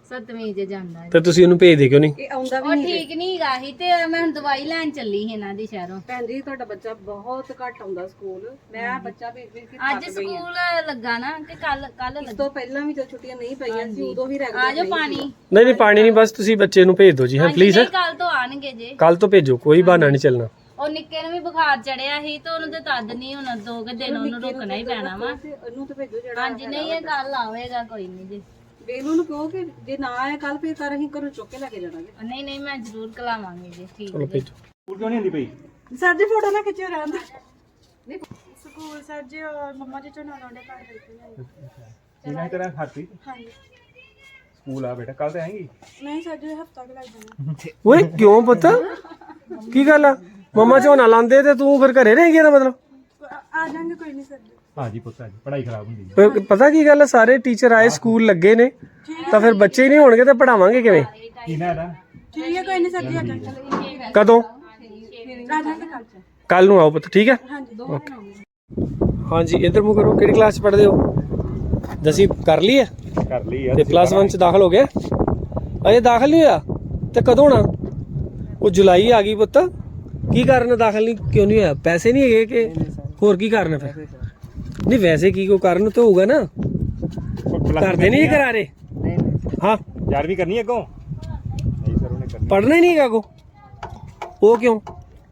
ਸੱਤਵੀਂ ਚ ਜਾਂਦਾ
ਤੇ ਤੁਸੀਂ ਉਹਨੂੰ ਭੇਜਦੇ ਕਿਉਂ ਨਹੀਂ?
ਇਹ ਆਉਂਦਾ ਵੀ
ਉਹ
ਨਹੀਂ
ਠੀਕ ਨਹੀਂ ਗਾ ਹੀ ਤੇ ਮੈਂ ਹੁਣ ਦਵਾਈ ਲੈਣ ਚੱਲੀ ਸੀ ਇਹਨਾਂ ਦੀ ਸ਼ਹਿਰੋਂ।
ਭੈਣ ਜੀ ਤੁਹਾਡਾ ਬੱਚਾ ਬਹੁਤ ਘੱਟ ਆਉਂਦਾ ਸਕੂਲ। ਮੈਂ ਬੱਚਾ ਭੇਜ ਭੇਜ ਕੇ
ਅੱਜ ਸਕੂਲ ਲੱਗਾ ਨਾ ਕਿ ਕੱਲ ਕੱਲ
ਇਸ
ਲੱਗਾ।
ਤੋਂ ਪਹਿਲਾਂ ਵੀ ਜਦ ਛੁੱਟੀਆਂ ਨਹੀਂ ਪਈਆਂ ਸੀ ਉਦੋਂ ਵੀ ਰੈਗੂਲਰ
ਆ ਜਾਓ ਪਾਣੀ।
ਨਹੀਂ ਨਹੀਂ ਪਾਣੀ ਨਹੀਂ, ਬਸ ਤੁਸੀਂ ਬੱਚੇ ਨੂੰ ਭੇਜ ਦਿਓ ਜੀ। ਹਾਂ ਪਲੀਜ਼,
ਨਹੀਂ ਕੱਲ ਤੋਂ ਆਣਗੇ ਜੇ।
ਕੱਲ ਤੋਂ ਭੇਜੋ, ਕੋਈ ਬਹਾਨਾ ਨਹੀਂ ਚੱਲਣਾ।
ਉਹ ਨਿੱਕੇ ਨੂੰ ਵੀ ਬੁਖਾਰ ਚੜਿਆ ਸੀ ਤੇ ਉਹਨੂੰ ਤੇ ਤਦ ਨਹੀਂ ਹੁਣ ਦੋ ਕੁ ਦਿਨ ਉਹਨੂੰ ਰੁਕਣਾ ਹੀ ਪੈਣਾ ਵਾ।
ਇਹਨੂੰ ਤਾਂ ਭੇਜੋ ਜਿਹੜਾ
ਹਾਂਜੀ ਨਹੀਂ ਇਹ ਕੱਲ ਆਵੇਗਾ ਕੋਈ ਨਹੀਂ ਜੀ।
ਬੇਨੂ ਨੂੰ ਕਹੋ ਕਿ ਜੇ ਨਾ ਆਏ ਕੱਲ ਫਿਰ ਕਰ ਅਸੀਂ ਘਰੋਂ ਚੁੱਕ ਕੇ ਲੈ ਕੇ ਜਾਣਾਗੇ।
ਨਹੀਂ ਨਹੀਂ ਮੈਂ ਜ਼ਰੂਰ ਕਲਾਵਾਂਗੀ ਜੀ। ਠੀਕ
ਚਲੋ
ਜੀ।
ਭੇਜੋ।
ਸਕੂਲ ਕਿਉਂ ਨਹੀਂ ਆਉਂਦੀ ਪਈ?
ਸਰ ਜੀ ਫੋਟੋ ਨਾ ਖਿੱਚਿਓ ਰਹਿਣ ਦੇ।
ਸਕੂਲ ਸਰ ਜੀ ਮੰਮਾ ਜੀ ਝੋਨਾ ਲਾਉਂਦੇ ਘਰ ਕਰਕੇ
ਕਿੰਨਾ ਤੇਰਾ ਖਾਤੀ
ਹਾਂਜੀ
ਸਕੂਲ ਆ ਬੇਟਾ, ਕੱਲ ਤੇ ਆਏਗੀ?
ਨਹੀਂ ਸਰ ਜੀ ਹਫਤਾ ਕੁ ਲੱਗ ਜਾਣਾ।
ਓਏ ਕਿਉਂ ਪੁੱਤ, ਕੀ ਗੱਲ ਆ? ਮਮਾ ਝੋਨਾ ਲਾਉਂਦੇ ਤੇ ਤੂੰ ਫਿਰ ਘਰੇ ਰਹਿ ਗਿਆ ਦਾ ਮਤਲਬ?
ਆ ਜਾਾਂਗੇ ਕੋਈ ਨਹੀਂ ਸਰ ਜੀ।
ਹਾਂਜੀ ਪੁੱਤ, ਅੱਜ ਪੜ੍ਹਾਈ ਖਰਾਬ ਹੁੰਦੀ ਹੈ।
ਪ- ਪਤਾ ਕੀ ਗੱਲ ਆ, ਸਾਰੇ ਟੀਚਰ ਆਏ, ਸਕੂਲ ਲੱਗੇ ਨੇ, ਤਾਂ ਫਿਰ ਬੱਚੇ ਹੀ ਨਹੀਂ ਹੋਣਗੇ ਤਾਂ ਪੜਾਵਾਂਗੇ ਕਿਵੇਂ?
ਕੀ ਨਾ ਇਹਦਾ?
ਠੀਕ ਹੈ ਕੋਈ ਨਹੀਂ ਸਰ ਜੀ ਆ ਜਾਾਂਗੇ।
ਕਦੋਂ?
ਆ ਜਾਾਂਗੇ ਕੱਲ ਚ।
ਕੱਲ ਨੂੰ ਆਓ ਪੁੱਤ, ਠੀਕ ਹੈ?
ਹਾਂਜੀ
ਹਾਂਜੀ ਇੱਧਰ ਮੂੰਹ ਕਰੋ। ਕਿਹੜੀ ਕਲਾਸ ਚ ਪੜ੍ਹਦੇ ਹੋ? ਦਸਵੀਂ ਕਰ ਲਈ ਹੈ
ਕਰ ਲਈ ਯਾਰ।
ਤੇ ਪਲੱਸ ਵਨ ਚ ਦਾਖਲ ਹੋ ਗਏ? ਅਜੇ ਦਾਖਲ ਨਹੀਂ ਹੋਇਆ ਤੇ ਕਦੋਂ ਹੋਣਾ? ਉਹ ਜੁਲਾਈ ਆ ਗਈ ਪੁੱਤ। ਕੀ ਕਾਰਨ ਦਾਖਲ ਨਹੀਂ ਕਿਉਂ ਨਹੀਂ ਹੋਇਆ? ਪੈਸੇ ਨਹੀਂ ਹੈਗੇ ਕਿ ਹੋਰ ਕੀ ਕਾਰਨ ਹੈ ਫਿਰ? ਨਹੀਂ ਵੈਸੇ ਕੀ ਕੋਈ ਕਾਰਨ ਤਾਂ ਹੋਊਗਾ ਨਾ, ਕਰਦੇ ਨਹੀਂ ਕਰਾ ਰਹੇ? ਹਾਂ
ਗਿਆਰਵੀਂ ਕਰਨੀ ਹੈ ਅੱਗੋਂ? ਨਹੀਂ ਸਰ ਉਹਨੇ ਕਰਨੀ।
ਪੜ੍ਹਨਾ ਹੀ ਨਹੀਂ ਹੈਗਾ ਕੋ? ਉਹ ਕਿਉਂ?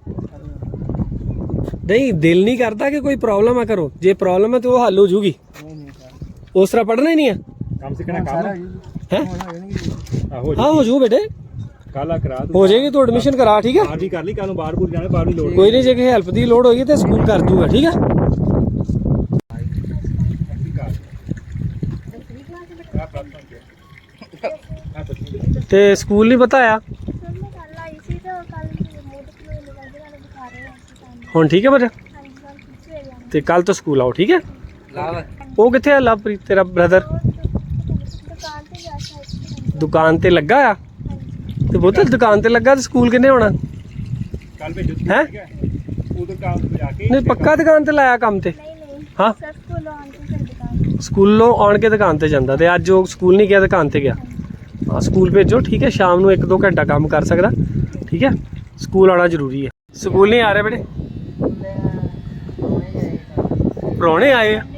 ਨਹੀਂ ਦਿਲ ਨਹੀਂ ਕਰਦਾ ਕਿ ਕੋਈ ਪ੍ਰੋਬਲਮ ਆ? ਕਰੋ, ਜੇ ਪ੍ਰੋਬਲਮ ਹੈ ਤਾਂ ਉਹ ਹੱਲ ਹੋ ਜੂਗੀ। ਉਸ ਤਰ੍ਹਾਂ ਪੜ੍ਹਨਾ ਹੀ ਨਹੀਂ ਹੈ?
ਕੰਮ ਸਿੱਖਣਾ ਕੰਮ
ਹੈ?
ਆਹੋ
ਹਾਂ ਹੋ ਜੂ ਬੇਟੇ,
ਕੱਲ ਆ ਕਰਾ ਦੂੰ।
ਹੋ ਜਾਏਗੀ ਤੂੰ ਐਡਮਿਸ਼ਨ ਕਰਾ, ਠੀਕ ਹੈ?
ਅੱਜ ਹੀ ਕਰ ਲਈ, ਕੱਲ ਨੂੰ ਬਾਹਰ ਬੂਰ ਜਾਣਾ, ਬਾਹਰ ਨਹੀਂ ਲੋੜ।
ਕੋਈ ਨਹੀਂ, ਜੇ ਕਿਸੇ ਹੈਲਪ ਦੀ ਲੋੜ ਹੋਈ ਤੇ ਸਕੂਲ ਕਰ ਦੂਗਾ, ਠੀਕ ਹੈ? ਤੇ ਸਕੂਲ ਨਹੀਂ ਬਤਾਇਆ ਹੁਣ, ਠੀਕ ਹੈ ਬੇਟਾ? ਤੇ ਕੱਲ ਤੋਂ ਸਕੂਲ ਆਓ, ਠੀਕ ਹੈ? ਉਹ ਕਿੱਥੇ ਆ ਲਵਪ੍ਰੀਤ ਤੇਰਾ ਬ੍ਰਦਰ? ਦੁਕਾਨ ਤੇ ਲੱਗਾ ਆ? ਤੇ ਬਹੁਤ ਦੁਕਾਨ ਤੇ ਲੱਗਾ ਤੇ ਸਕੂਲ ਕਿੰਨੇ ਹੋਣਾ?
ਕੱਲ ਭੇਜੋ
ਹੈ?
ਠੀਕ ਹੈ? ਉਧਰ ਕੰਮ ਤੇ ਜਾ ਕੇ
ਨਹੀਂ ਪੱਕਾ ਦੁਕਾਨ ਤੇ ਲਾਇਆ ਕੰਮ ਤੇ? ਹਾਂ ਸਕੂਲੋਂ ਆਉਣ ਕੇ ਦੁਕਾਨ ਤੇ ਜਾਂਦਾ, ਤੇ ਅੱਜ ਉਹ ਸਕੂਲ ਨਹੀਂ ਗਿਆ, ਦੁਕਾਨ ਤੇ ਗਿਆ। ਹਾਂ ਸਕੂਲ ਭੇਜੋ, ਠੀਕ ਹੈ? ਸ਼ਾਮ ਨੂੰ ਇੱਕ ਦੋ ਘੰਟਾ ਕੰਮ ਕਰ ਸਕਦਾ, ਠੀਕ ਹੈ? ਸਕੂਲ ਆਉਣਾ ਜ਼ਰੂਰੀ ਹੈ। ਸਕੂਲ ਨਹੀਂ ਆ ਰਹੇ ਬੇਟੇ? ਪ੍ਰਾਹੁਣੇ ਆਏ ਆ?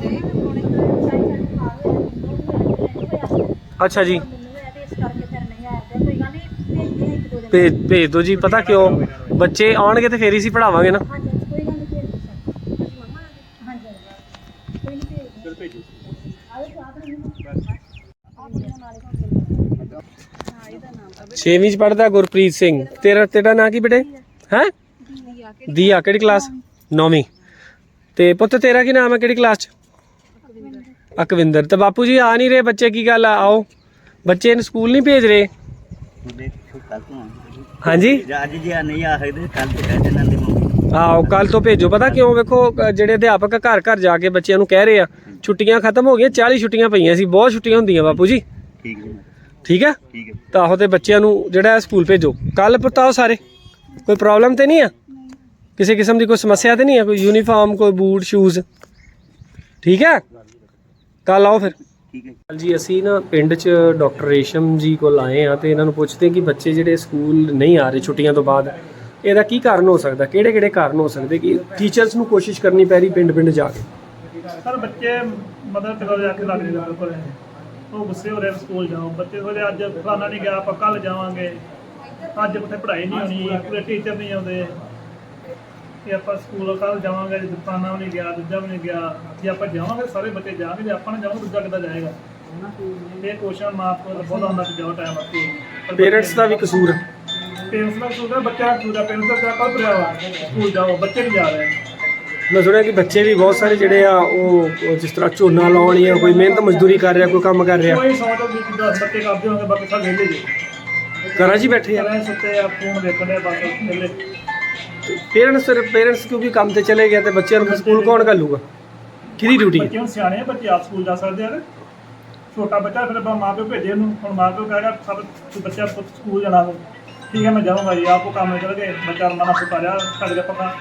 ਅੱਛਾ ਜੀ, ਭੇਜ ਭੇਜ ਦਿਓ ਜੀ। ਪਤਾ ਕਿਉਂ? ਬੱਚੇ ਆਉਣਗੇ ਤੇ ਫੇਰ ਹੀ ਅਸੀਂ ਪੜਾਵਾਂਗੇ ਨਾ। ਛੇਵੀਂ ਚ ਪੜਦਾ ਗੁਰਪ੍ਰੀਤ ਸਿੰਘ। ਤੇਰਾ ਤੇਰਾ ਨਾਂ ਕੀ ਬੇਟੇ? ਹੈ ਦੀਆ। ਕਿਹੜੀ ਕਲਾਸ? ਨੌਵੀਂ। ਤੇ ਪੁੱਤ ਤੇਰਾ ਕੀ ਨਾਮ ਹੈ, ਕਿਹੜੀ ਕਲਾਸ ਚ? ਅਕਵਿੰਦਰ। ਤੇ ਬਾਪੂ ਜੀ ਆ ਨਹੀਂ ਰਹੇ ਬੱਚੇ, ਕੀ ਗੱਲ ਆ? ਆਓ, ਬੱਚੇ ਨੂੰ ਸਕੂਲ ਨਹੀਂ ਭੇਜ ਰਹੇ? ਹਾਂਜੀ
ਅੱਜ ਜੀ ਨਹੀਂ ਆ ਸਕਦੇ, ਕੱਲ ਤੇ ਕਹਿ ਦੇਣਾ ਦੇ ਮੰਮੀ।
ਆਓ ਕੱਲ ਤੋਂ ਭੇਜੋ। ਪਤਾ ਕਿਉਂ? ਵੇਖੋ ਅ, ਜਿਹੜੇ ਅਧਿਆਪਕ ਘਰ ਘਰ ਜਾ ਕੇ ਬੱਚਿਆਂ ਨੂੰ ਕਹਿ ਰਹੇ ਆ ਛੁੱਟੀਆਂ ਖਤਮ ਹੋ ਗਈਆਂ, ਚਾਲੀ ਛੁੱਟੀਆਂ ਪਈਆਂ ਸੀ, ਬਹੁਤ ਛੁੱਟੀਆਂ ਹੁੰਦੀਆਂ ਬਾਪੂ ਜੀ,
ਠੀਕ ਜੀ,
ਠੀਕ ਹੈ?
ਠੀਕ ਹੈ।
ਤਾਂ ਆਹੋ ਤੇ ਬੱਚਿਆਂ ਨੂੰ ਜਿਹੜਾ ਹੈ ਸਕੂਲ ਭੇਜੋ ਕੱਲ। ਪਤਾਓ ਸਾਰੇ, ਕੋਈ ਪ੍ਰੋਬਲਮ ਤੇ ਨਹੀਂ ਆ? ਕਿਸੇ ਕਿਸਮ ਦੀ ਕੋਈ ਸਮੱਸਿਆ ਤੇ ਨਹੀਂ ਹੈ? ਕੋਈ ਯੂਨੀਫਾਰਮ, ਕੋਈ ਬੂਟ, ਸ਼ੂਜ਼, ਠੀਕ ਹੈ? ਕੱਲ ਆਓ ਫਿਰ।
ਠੀਕ ਹੈ
ਜੀ ਅਸੀਂ ਨਾ ਪਿੰਡ 'ਚ ਡਾਕਟਰ ਰੇਸ਼ਮ ਜੀ ਕੋਲ ਆਏ ਆ ਤੇ ਇਹਨਾਂ ਨੂੰ ਪੁੱਛਦੇ ਕਿ ਬੱਚੇ ਜਿਹੜੇ ਸਕੂਲ ਨਹੀਂ ਆ ਰਹੇ ਛੁੱਟੀਆਂ ਤੋਂ ਬਾਅਦ, ਇਹਦਾ ਕੀ ਕਾਰਨ ਹੋ ਸਕਦਾ? ਕਿਹੜੇ ਕਿਹੜੇ ਕਾਰਨ ਹੋ ਸਕਦੇ ਕਿ ਟੀਚਰਸ ਨੂੰ ਕੋਸ਼ਿਸ਼ ਕਰਨੀ ਪੈ ਰਹੀ ਪਿੰਡ ਪਿੰਡ ਜਾ ਕੇ?
ਸਰ ਬੱਚੇ ਮਦਰ ਪਿਤਾ ਦੇ ਅੱਖ ਲੱਗ ਜਾਂਦੇ ਬਿਲਕੁਲ, ਉਹ ਗੁੱਸੇ ਹੋ ਰਹੇ ਸਕੂਲ ਜਾਓ। ਬੱਚੇ ਥੋੜੇ ਅੱਜ ਫਲਾਣਾ ਨਹੀਂ ਗਿਆ, ਆਪਾਂ ਕੱਲ ਜਾਵਾਂਗੇ, ਅੱਜ ਉੱਥੇ ਪੜ੍ਹਾਈ ਨਹੀਂ ਹੋਣੀ, ਪੂਰੇ ਟੀਚਰ ਨਹੀਂ ਆਉਂਦੇ, ਕਿ ਆਪਾਂ ਸਕੂਲ ਕੱਲ ਜਾਵਾਂਗੇ, ਫਲਾਣਾ ਵੀ ਨਹੀਂ ਗਿਆ, ਦੂਜਾ ਵੀ ਨਹੀਂ ਗਿਆ। ਜੇ ਆਪਾਂ ਜਾਵਾਂਗੇ ਸਾਰੇ ਬੱਚੇ ਜਾਣਗੇ, ਜੇ ਆਪਾਂ ਨਾ ਜਾਵਾਂਗੇ ਦੂਜਾ ਕਿੱਦਾਂ ਜਾਏਗਾ? ਇਹ ਕੋਸ਼ਿਸ਼ ਮਾਂ ਪਿਓ ਦਾ ਬਹੁਤ ਆਉਂਦਾ ਕਿ ਜਾਓ ਟਾਈਮ ਵਾਸਤੇ।
ਪੇਰੈਂਟਸ ਦਾ ਵੀ ਕਸੂਰ ਹੈ?
ਪੇਰੈਂਟਸ ਦਾ ਕਸੂਰ ਹੈ, ਬੱਚਾ ਕਸੂਰ ਹੈ। ਪੇਰੈਂਟਸ ਦਾ ਕੱਲ ਤੁਰਿਆ ਵਾ ਸਕੂਲ ਜਾਓ, ਬੱਚੇ ਨਹੀਂ ਜਾ ਰਹੇ।
ਮੈਂ ਸੁਣਿਆ ਕਿ ਬੱਚੇ ਵੀ ਬਹੁਤ ਸਾਰੇ ਜਿਹੜੇ ਆ ਉਹ ਉਹ ਜਿਸ ਤਰ੍ਹਾਂ ਝੋਨਾ ਲਾਉਣ ਜਾਂ ਕੋਈ ਮਿਹਨਤ ਮਜ਼ਦੂਰੀ ਕਰ ਰਿਹਾ, ਕੋਈ ਕੰਮ ਕਰ ਰਿਹਾ,
ਕੋਈ ਸੌ ਤੋਂ ਵੀ ਦਸ ਬੱਚੇ ਕਰਦੇ ਹੋਣਗੇ, ਬਾਕੀ ਸਭ ਵਿਹਲੇ ਜੀ,
ਘਰਾਂ 'ਚ ਹੀ ਬੈਠੇ ਆ।
ਘਰਾਂ 'ਚ ਸੁੱਤੇ ਆ, ਫੋਨ ਦੇਖਦੇ ਆ, ਬਸ ਵਿਹਲੇ।
ਪੇਰੈਂਟਸ ਫਿਰ ਪੇਰੈਂਟਸ ਕਿਉਂਕਿ ਕੰਮ ਤੇ ਚਲੇ ਗਏ ਤੇ ਬੱਚਿਆਂ ਨੂੰ ਸਕੂਲ ਕੌਣ ਘੱਲੂਗਾ? ਕਿਹਦੀ ਡਿਊਟੀ ਹੈ?
ਬੱਚੇ ਹੁਣ ਸਿਆਣੇ ਆ, ਬੱਚੇ ਆਪ ਸਕੂਲ ਜਾ ਸਕਦੇ ਆ। ਛੋਟਾ ਬੱਚਾ ਫਿਰ ਆਪਾਂ ਮਾਂ ਪਿਓ ਭੇਜੇ ਉਹਨੂੰ, ਹੁਣ ਮਾਂ ਪਿਓ ਕਹੇਗਾ ਸਭ ਬੱਚਾ ਸਕੂਲ ਜਾਣਾ, ਠੀਕ ਹੈ ਮੈਂ ਜਾਊਂਗਾ ਜੀ, ਆਪ ਉਹ ਕੰਮ ਚਲ ਗਏ, ਬੱਚਾ ਮਨਾ ਸੁਤਾ ਰਿਹਾ ਛੱਡ ਕੇ ਪੱਕਾ।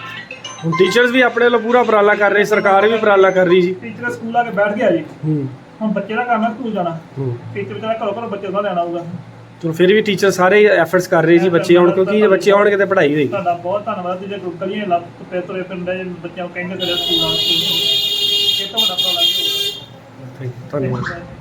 ਹੁਣ ਟੀਚਰਸ ਵੀ ਆਪਣੇ ਵੱਲੋਂ ਪੂਰਾ ਉਪਰਾਲਾ ਕਰ ਰਹੇ, ਸਰਕਾਰ ਵੀ ਉਪਰਾਲਾ ਕਰ ਰਹੀ ਜੀ।
ਟੀਚਰ ਸਕੂਲ ਆ ਕੇ ਬੈਠ ਗਿਆ ਜੀ,
ਹੂੰ
ਹੁਣ ਬੱਚੇ ਦਾ ਕੰਮ ਹੈ ਸਕੂਲ ਜਾਣਾ
ਹੂੰ
ਟੀਚਰ ਵਿਚਾਰਾ ਘਰੋਂ ਘਰੋਂ ਬੱਚੇ ਦਾ ਲੈਣਾ ਆਊਗਾ।
ਚਲੋ ਫਿਰ ਵੀ ਟੀਚਰ ਸਾਰੇ ਐਫਰਟਸ ਕਰ ਰਹੇ ਜੀ ਬੱਚੇ ਆਉਣ, ਕਿਉਂਕਿ ਜੇ ਬੱਚੇ ਆਉਣਗੇ ਤੇ ਪੜ੍ਹਾਈ ਹੋਏਗੀ।
ਤੁਹਾਡਾ ਬਹੁਤ ਧੰਨਵਾਦ ਜੀ, ਜੇ ਗਲੀਆਂ ਲੱਭ ਤੁਰੇ ਤੁਰੇ ਪਿੰਡ ਦੇ ਬੱਚਿਆਂ ਨੂੰ ਕਹਿੰਦੇ ਕਰਿਆ ਸਕੂਲ ਆ ਸਕੂਲ ਇਹ ਤਾਂ ਵੱਡਾ ਪ੍ਰੋਬਲਮ ਹੀ ਹੋਊਗਾ।
ਧੰਨਵਾਦ।